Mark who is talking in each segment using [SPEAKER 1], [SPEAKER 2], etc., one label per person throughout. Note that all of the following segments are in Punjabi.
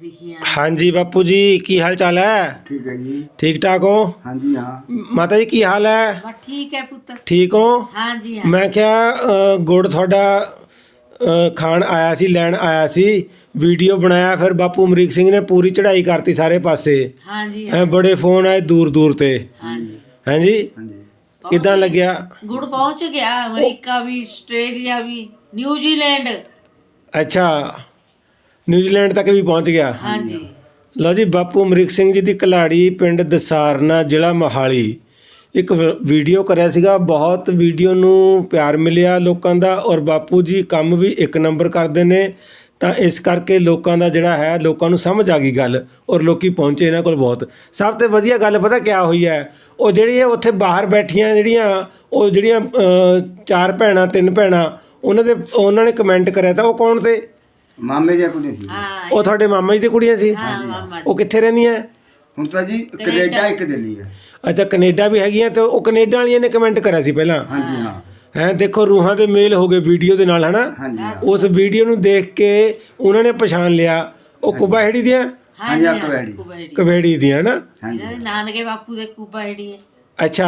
[SPEAKER 1] दिखिए।
[SPEAKER 2] हाँ जी बापू जी की हाल चाल है?
[SPEAKER 3] ठीक है जी।
[SPEAKER 2] ठीक ठाक हो?
[SPEAKER 3] हाँ जी हाँ।
[SPEAKER 2] माता जी की हाल है?
[SPEAKER 1] बस ठीक है पुत्र।
[SPEAKER 2] ठीक हो?
[SPEAKER 1] हाँ जी हाँ।
[SPEAKER 2] मैं क्या गुड़ थोड़ा खान आया सी लैन आया सी वीडियो बनाया फिर बापू अमरीक सिंह ने पूरी चढ़ाई करती सारे पासे।
[SPEAKER 1] हाँ जी हाँ।
[SPEAKER 2] बड़े फोन आए दूर दूर ते।
[SPEAKER 1] हाँ जी।
[SPEAKER 2] हैं जी
[SPEAKER 3] हाँ जी।
[SPEAKER 2] किदां लग्या?
[SPEAKER 1] गुड़ पहुंच गया अमेरिका भी आस्ट्रेलिया भी न्यूजीलैंड।
[SPEAKER 2] अच्छा न्यूजीलैंड तक भी पहुंच गया।
[SPEAKER 1] हाँ जी।
[SPEAKER 2] ਲਓ ਜੀ ਬਾਪੂ ਅਮਰੀਕ ਸਿੰਘ ਜੀ ਦੀ ਕਲਾੜੀ ਪਿੰਡ ਦਸਾਰਨਾ ਜ਼ਿਲ੍ਹਾ ਮੋਹਾਲੀ ਇੱਕ ਵੀਡੀਓ ਕਰਿਆ ਸੀਗਾ। ਬਹੁਤ ਵੀਡੀਓ ਨੂੰ ਪਿਆਰ ਮਿਲਿਆ ਲੋਕਾਂ ਦਾ ਔਰ ਬਾਪੂ ਜੀ ਕੰਮ ਵੀ ਇੱਕ ਨੰਬਰ ਕਰਦੇ ਨੇ ਤਾਂ ਇਸ ਕਰਕੇ ਲੋਕਾਂ ਦਾ ਜਿਹੜਾ ਹੈ ਲੋਕਾਂ ਨੂੰ ਸਮਝ ਆ ਗਈ ਗੱਲ ਔਰ ਲੋਕੀ ਪਹੁੰਚੇ ਇਹਨਾਂ ਕੋਲ ਬਹੁਤ। ਸਭ ਤੋਂ ਵਧੀਆ ਗੱਲ ਪਤਾ ਕਿਆ ਹੋਈ ਹੈ? ਉਹ ਜਿਹੜੀਆਂ ਉੱਥੇ ਬਾਹਰ ਬੈਠੀਆਂ ਜਿਹੜੀਆਂ ਚਾਰ ਭੈਣਾਂ ਤਿੰਨ ਭੈਣਾਂ ਉਹਨਾਂ ਨੇ ਕਮੈਂਟ ਕਰਿਆ ਤਾਂ ਉਹ ਕੌਣ ਤੇ?
[SPEAKER 3] ਮਾਮੇ ਦੀਆਂ ਕੁੜੀਆਂ ਸੀ।
[SPEAKER 1] हाँ
[SPEAKER 2] ਉਹ ਤੁਹਾਡੇ ਮਾਮਾ ਜੀ ਦੀ ਕੁੜੀਆਂ ਸੀ?
[SPEAKER 1] हाँ मामा
[SPEAKER 2] ਉਹ ਕਿੱਥੇ ਰਹਿੰਦੀਆਂ?
[SPEAKER 3] ਹੁਣ ਤਾਂ ਜੀ ਕੈਨੇਡਾ ਇੱਕ ਦਿੱਲੀ ਹੈ।
[SPEAKER 2] ਅੱਛਾ ਕੈਨੇਡਾ ਵੀ ਹੈਗੀਆਂ ਤੇ ਉਹ ਕੈਨੇਡਾ ਵਾਲੀਆਂ ਨੇ ਕਮੈਂਟ ਕਰਿਆ ਸੀ ਪਹਿਲਾਂ।
[SPEAKER 3] ਹਾਂ ਜੀ ਹਾਂ।
[SPEAKER 2] ਹੈਂ ਦੇਖੋ ਰੂਹਾਂ ਦੇ ਮੇਲ ਹੋ ਗਏ ਵੀਡੀਓ ਦੇ ਨਾਲ ਹਨਾ।
[SPEAKER 3] ਹਾਂ ਜੀ ਹਾਂ।
[SPEAKER 2] ਉਸ ਵੀਡੀਓ ਨੂੰ ਦੇਖ ਕੇ ਉਹਨਾਂ ਨੇ ਪਛਾਣ ਲਿਆ ਉਹ ਕੁਬਾ ਹੈੜੀ ਦੀਆਂ
[SPEAKER 1] हाँ जी
[SPEAKER 3] हाँ,
[SPEAKER 1] हाँ
[SPEAKER 3] कुबेड़ी।
[SPEAKER 1] कुबेड़ी।
[SPEAKER 2] ਕਵੇੜੀ ਦੀਆਂ ਨਾ।
[SPEAKER 3] ਹਾਂ ਜੀ
[SPEAKER 1] इन्होंने नानके बापू दे कुबेड़ी है।
[SPEAKER 2] ਅੱਛਾ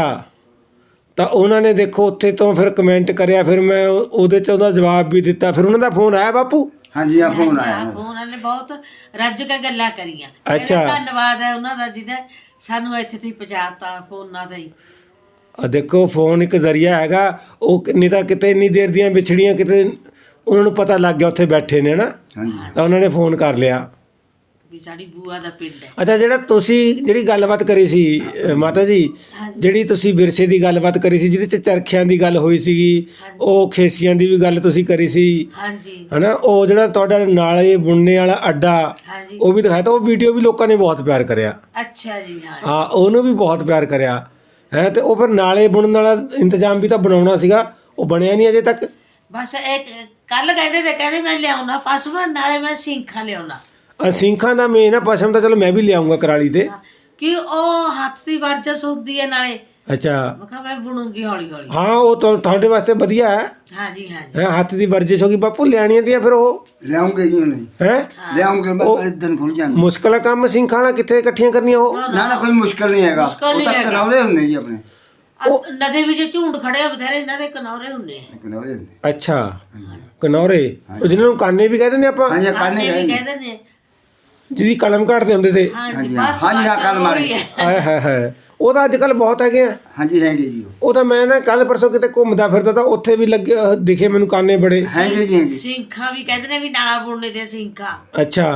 [SPEAKER 2] ਤਾਂ ਉਹਨਾਂ ਨੇ ਦੇਖੋ ਉੱਥੇ ਤੋਂ ਫਿਰ ਕਮੈਂਟ ਕਰਿਆ ਫਿਰ ਮੈਂ ਉਹਦੇ 'ਚ ਉਹਦਾ ਜਵਾਬ ਵੀ ਦਿੱਤਾ ਫਿਰ ਉਹਨਾਂ ਦਾ ਫੋਨ ਆਇਆ ਬਾਪੂ।
[SPEAKER 3] ਹਾਂ ਜੀ ਹਾਂ ਫੋਨ ਆਇਆ
[SPEAKER 1] हाँ, ਉਹਨਾਂ ਨੇ ਬਹੁਤ ਰੱਜ ਕੇ ਗੱਲਾਂ ਕਰੀਆਂ।
[SPEAKER 2] ਅੱਛਾ।
[SPEAKER 1] ਕਹਿੰਦੇ ਧੰਨਵਾਦ ਹੈ ਉਹਨਾਂ ਦਾ ਜਿਹਨੇ ਸਾਨੂੰ ਇੱਥੇ ਤੱਕ ਪਹੁੰਚਾਤਾ ਫੋਨਾਂ ਤੇ ਹੀ।
[SPEAKER 2] ਆ ਦੇਖੋ ਫੋਨ ਇੱਕ ਜ਼ਰੀਆ ਹੈਗਾ ਉਹ ਨਹੀਂ ਤਾਂ ਕਿਤੇ ਇੰਨੀ ਦੇਰ ਦੀਆਂ ਵਿਛੜੀਆਂ ਕਿਤੇ ਉਹਨਾਂ ਨੂੰ ਪਤਾ ਲੱਗ ਗਿਆ ਉੱਥੇ ਬੈਠੇ ਨੇ ਨਾ
[SPEAKER 3] ਹਾਂ ਜੀ
[SPEAKER 2] ਤਾਂ ਉਹਨਾਂ ਨੇ ਫੋਨ ਕਰ ਲਿਆ।
[SPEAKER 1] ਵੀ ਸਾਡੀ ਬੂਆ ਦਾ ਪਿੰਡ ਹੈ।
[SPEAKER 2] ਅੱਛਾ ਜਿਹੜਾ ਤੁਸੀਂ ਜਿਹੜੀ ਗੱਲਬਾਤ ਕਰੀ ਸੀ ਮਾਤਾ ਜੀ ਜਿਹੜੀ ਤੁਸੀਂ ਵਿਰਸੇ ਦੀ ਗੱਲਬਾਤ ਕਰੀ ਸੀ ਜਿਹਦੇ ਚ ਚਰਖਿਆਂ ਦੀ ਗੱਲ ਹੋਈ ਸੀਗੀ ਉਹ ਖੇਸੀਆਂ ਦੀ ਵੀ ਗੱਲ ਤੁਸੀਂ ਕਰੀ ਸੀ
[SPEAKER 1] ਹਾਂਜੀ
[SPEAKER 2] ਹਨਾ ਉਹ ਜਿਹੜਾ ਤੁਹਾਡਾ ਨਾਲੇ ਬੁਣਨੇ ਵਾਲਾ ਅੱਡਾ
[SPEAKER 1] ਹਾਂਜੀ।
[SPEAKER 2] ਉਹ ਵੀ ਦਿਖਾਇਆ ਤਾਂ ਉਹ ਵੀਡੀਓ ਵੀ ਲੋਕਾਂ ਨੇ ਬਹੁਤ ਪਿਆਰ ਕਰਿਆ।
[SPEAKER 1] ਅੱਛਾ ਜੀ ਹਾਂ।
[SPEAKER 2] ਹਾਂ ਉਹਨੂੰ ਵੀ ਬਹੁਤ ਪਿਆਰ ਕਰਿਆ ਹੈ ਤੇ ਉਹ ਫਿਰ ਨਾਲੇ ਬੁਣਨ ਵਾਲਾ ਇੰਤਜ਼ਾਮ ਵੀ ਤਾਂ ਬਣਾਉਣਾ ਸੀਗਾ ਉਹ ਬਣਿਆ ਨਹੀਂ ਅਜੇ ਤੱਕ।
[SPEAKER 1] ਬਸ ਇੱਕ ਕੱਲ ਕਹਿੰਦੇ ਮੈਂ ਲਿਆਉਣਾ ਪਸ਼ੂ ਨਾਲੇ ਮੈਂ ਸਿੰਖਾਂ ਲਿਆਉਣਾ।
[SPEAKER 2] ਸਿੰਘਾਂ ਦਾ ਮੇਨ ਆ ਪਸ਼ਮ ਤਾਂ ਚਲੋ ਮੈਂ ਵੀ ਲਿਆਉਂਗਾ ਕਰਾਲੀ ਤੇ
[SPEAKER 1] ਕਿ ਉਹ ਹੱਥ ਦੀ ਵਰਜਸ ਹੁੰਦੀ ਹੈ ਨਾਲੇ।
[SPEAKER 2] ਅੱਛਾ
[SPEAKER 1] ਮੈਂ ਕਿਹਾ ਮੈਂ ਬੁਣੂਗੀ ਹੌਲੀ ਹੌਲੀ।
[SPEAKER 2] ਹਾਂ ਉਹ ਤੁਹਾਡੇ ਵਾਸਤੇ ਵਧੀਆ ਹੈ
[SPEAKER 1] ਹਾਂਜੀ ਹਾਂਜੀ।
[SPEAKER 2] ਹੱਥ ਦੀ ਵਰਜਿਸ਼ ਹੋ ਗਈ ਬਾਪੂ ਲਿਆਣੀਆਂ ਦੀਆਂ ਫਿਰ ਉਹ
[SPEAKER 3] ਲਿਆਉਂਗੇ ਜੀ ਉਹਨੇ
[SPEAKER 2] ਹੈ
[SPEAKER 3] ਲਿਆਉਂਗੇ ਮੈਂ ਬੜੇ ਦਿਨ ਖੁੱਲ ਜਾਣਗੇ।
[SPEAKER 2] ਮੁਸ਼ਕਲ ਆ ਕੰਮ ਸਿੰਘਾਂ ਨਾਲ ਕਿੱਥੇ ਇਕੱਠੀਆਂ ਕਰਨੀਆਂ ਉਹ।
[SPEAKER 3] ਨਾ ਨਾ ਕੋਈ ਮੁਸ਼ਕਲ ਨਹੀਂ ਹੈਗਾ
[SPEAKER 1] ਮੁਸ਼ਕਲ
[SPEAKER 3] ਉਹ
[SPEAKER 1] ਨਹੀਂ
[SPEAKER 3] ਤਾਂ
[SPEAKER 1] ਹੈਗਾ।
[SPEAKER 3] ਕਨੌਰੇ ਹੁੰਦੇ ਜੀ ਆਪਣੇ
[SPEAKER 1] ਨਦੀ ਵਿੱਚ ਝੁੰਡ ਖੜੇ ਆ ਬਥੇਰੇ ਇਹਨਾਂ ਦੇ ਕਨੌਰੇ ਹੁੰਦੇ ਆ।
[SPEAKER 3] ਕਨੌਰੇ ਹੁੰਦੇ।
[SPEAKER 2] ਅੱਛਾ ਕਨੌਰੇ ਉਹ ਜਿਹਨਾਂ ਨੂੰ ਕਾਨੇ ਵੀ ਕਹਿ ਦਿੰਦੇ ਆਪਾਂ
[SPEAKER 3] ਹਾਂ ਜੀ
[SPEAKER 1] ਕਾਨੇ
[SPEAKER 3] ਕਾਨੇ
[SPEAKER 1] ਵੀ
[SPEAKER 3] ਗਏ
[SPEAKER 1] ਕਹਿੰਦੇ ਨੇ।
[SPEAKER 2] ਜਿਹਦੀ ਕਲਮ ਘੜਦੇ ਹੁੰਦੇ ਤੇ।
[SPEAKER 1] ਹਾਂਜੀ
[SPEAKER 3] ਹਾਂ
[SPEAKER 1] ਬਸ
[SPEAKER 3] ਹਾਂ ਜੀ ਹਾਂ
[SPEAKER 1] ਬਸ
[SPEAKER 3] ਕੱਲ ਮਾਰੇ।
[SPEAKER 1] ਉਹੀ ਹੈ।
[SPEAKER 2] ਆਏ ਹਾਏ ਹਾਏ ਉਹ ਤਾਂ ਅੱਜ ਕੱਲ ਬਹੁਤ ਹੈਗੇ ਆ।
[SPEAKER 3] ਹਾਂ ਜੀ ਹੈਗੇ ਜੀ
[SPEAKER 2] ਉਹ ਤਾਂ ਮੈਂ ਨਾ ਕੱਲ ਪਰਸੋਂ ਕਿਤੇ ਘੁੰਮਦਾ ਫਿਰਦਾ ਤਾਂ ਉੱਥੇ ਵੀ ਲੱਗੇ ਦਿਖੇ ਮੈਨੂੰ ਕਾਨੇ ਬੜੇ।
[SPEAKER 3] ਹੈਗੇ ਜੀ ਹੈਗੇ।
[SPEAKER 1] ਸਿੰਖਾਂ ਵੀ ਕਹਿੰਦੇ ਨੇ ਵੀ ਨਾਲਾ ਬੁਣਨੇ ਦੇ ਸਿੰਖਾਂ।
[SPEAKER 2] ਅੱਛਾ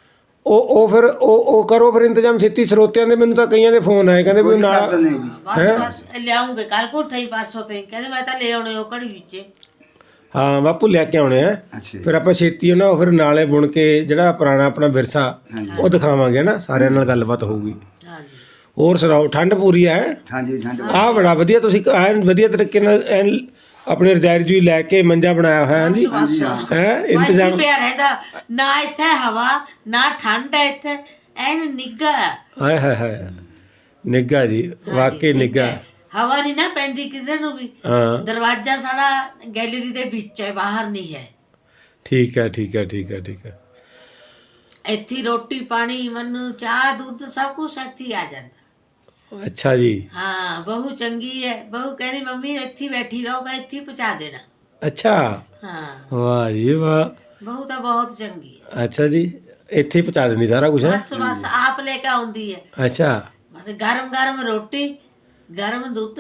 [SPEAKER 2] ਉਹ ਫਿਰ ਉਹ ਕਰੋ ਫਿਰ ਇੰਤਜ਼ਾਮ ਛੇਤੀ ਸਰੋਤਿਆਂ ਦੇ ਮੈਨੂੰ ਤਾਂ ਕਈਆਂ ਦੇ ਫੋਨ ਆਏ ਕਹਿੰਦੇ ਵੀ
[SPEAKER 3] ਕੋਈ
[SPEAKER 2] ਨਾਲ
[SPEAKER 3] ਕਰ ਦਿੰਦੇ ਜੀ।
[SPEAKER 1] ਬਸ ਬਸ ਲਿਆਉਂਗੇ ਕੱਲ ਕੋਲ ਥਈ ਪਰਸੋਂ ਤੇ ਕਹਿੰਦੇ ਮੈਂ ਤਾਂ ਲੈ ਆਉਣੇ ਉਹ ਘੜੀ ਵਿੱਚ।
[SPEAKER 2] ਹਾਂ ਬਾਪੂ ਲੈ ਕੇ ਆਉਣੇ ਆ
[SPEAKER 3] ਅੱਛਾ
[SPEAKER 2] ਫਿਰ ਆਪਾਂ ਛੇਤੀ ਉਹਨਾਂ ਉਹ ਫਿਰ ਨਾਲੇ ਬੁਣ ਕੇ ਜਿਹੜਾ ਪੁਰਾਣਾ ਆਪਣਾ ਵਿਰਸਾ ਉਹ ਦਿਖਾਵਾਂਗੇ ਨਾ ਸਾਰਿਆਂ ਨਾਲ ਗੱਲਬਾਤ ਹੋਊਗੀ।
[SPEAKER 1] ਹਾਂਜੀ
[SPEAKER 2] ਹੋਰ ਸੁਣਾਓ ਠੰਡ ਪੂਰੀ ਹੈ?
[SPEAKER 3] ਹਾਂ ਜੀ ਠੰਡ
[SPEAKER 2] ਆਹ ਬੜਾ ਵਧੀਆ ਤੁਸੀਂ ਐਨ ਵਧੀਆ ਤਰੀਕੇ ਨਾਲ ਐਨ ਆਪਣੇ ਰਜਾਈ ਰਜੂਈ ਲੈ ਕੇ ਮੰਜਾ ਬਣਾਇਆ ਹੋਇਆ ਹੈ ਜੀ
[SPEAKER 1] ਬਸ
[SPEAKER 2] ਹੈ
[SPEAKER 1] ਇੰਤਜ਼ਾਮ
[SPEAKER 2] ਇੰਤਜ਼ਾਮ।
[SPEAKER 1] ਪਿਆ ਰਹਿੰਦਾ ਨਾ ਇੱਥੇ ਹਵਾ ਨਾ ਠੰਡ ਹੈ ਇੱਥੇ ਐਨ ਨਿੱਘਾ ਹੈ।
[SPEAKER 2] ਹਾਏ ਹਾਏ ਹਾਏ ਨਿੱਘਾ ਜੀ ਵਾਕਈ ਨਿੱਘਾ।
[SPEAKER 1] ਹਵਾ ਨਹੀਂ ਨਾ ਪੈਂਦੀ ਕਿਧਰ ਨੂੰ ਵੀ।
[SPEAKER 2] ਹਾਂ
[SPEAKER 1] ਦਰਵਾਜ਼ਾ ਸਾਡਾ ਗੈਲਰੀ ਦੇ ਵਿੱਚ ਹੈ ਬਾਹਰ ਨਹੀਂ ਹੈ।
[SPEAKER 2] ਠੀਕ ਹੈ ਠੀਕ ਹੈ ਠੀਕ ਹੈ ਠੀਕ ਹੈ।
[SPEAKER 1] ਇੱਥੇ ਰੋਟੀ ਪਾਣੀ ਮੈਨੂੰ ਚਾਹ ਦੁੱਧ ਸਭ ਕੁਝ ਇੱਥੇ ਆ ਜਾਂਦਾ।
[SPEAKER 2] ਅੱਛਾ ਜੀ
[SPEAKER 1] ਹਾਂ ਬਹੂ ਚੰਗੀ ਹੈ। ਬਹੂ ਕਹਿੰਦੀ ਮੰਮੀ ਇੱਥੇ ਬੈਠੀ ਰਹੋ ਮੈਂ ਇੱਥੇ ਪਹੁੰਚਾ ਦੇਣਾ।
[SPEAKER 2] ਅੱਛਾ
[SPEAKER 1] ਹਾਂ
[SPEAKER 2] ਵਾਹ ਜੀ ਵਾਹ।
[SPEAKER 1] ਬਹੂ ਤਾਂ ਬਹੁਤ ਚੰਗੀ ਹੈ।
[SPEAKER 2] ਅੱਛਾ ਜੀ ਇੱਥੇ ਹੀ ਪਹੁੰਚਾ ਦਿੰਦੀ ਸਾਰਾ ਕੁਝ ਹੈ।
[SPEAKER 1] ਬਸ ਆਪ ਲੈ ਕੇ ਆਉਂਦੀ ਹੈ।
[SPEAKER 2] ਅੱਛਾ
[SPEAKER 1] ਬਸ ਗਰਮ ਗਰਮ ਰੋਟੀ ਗਰਮ ਦੁੱਧ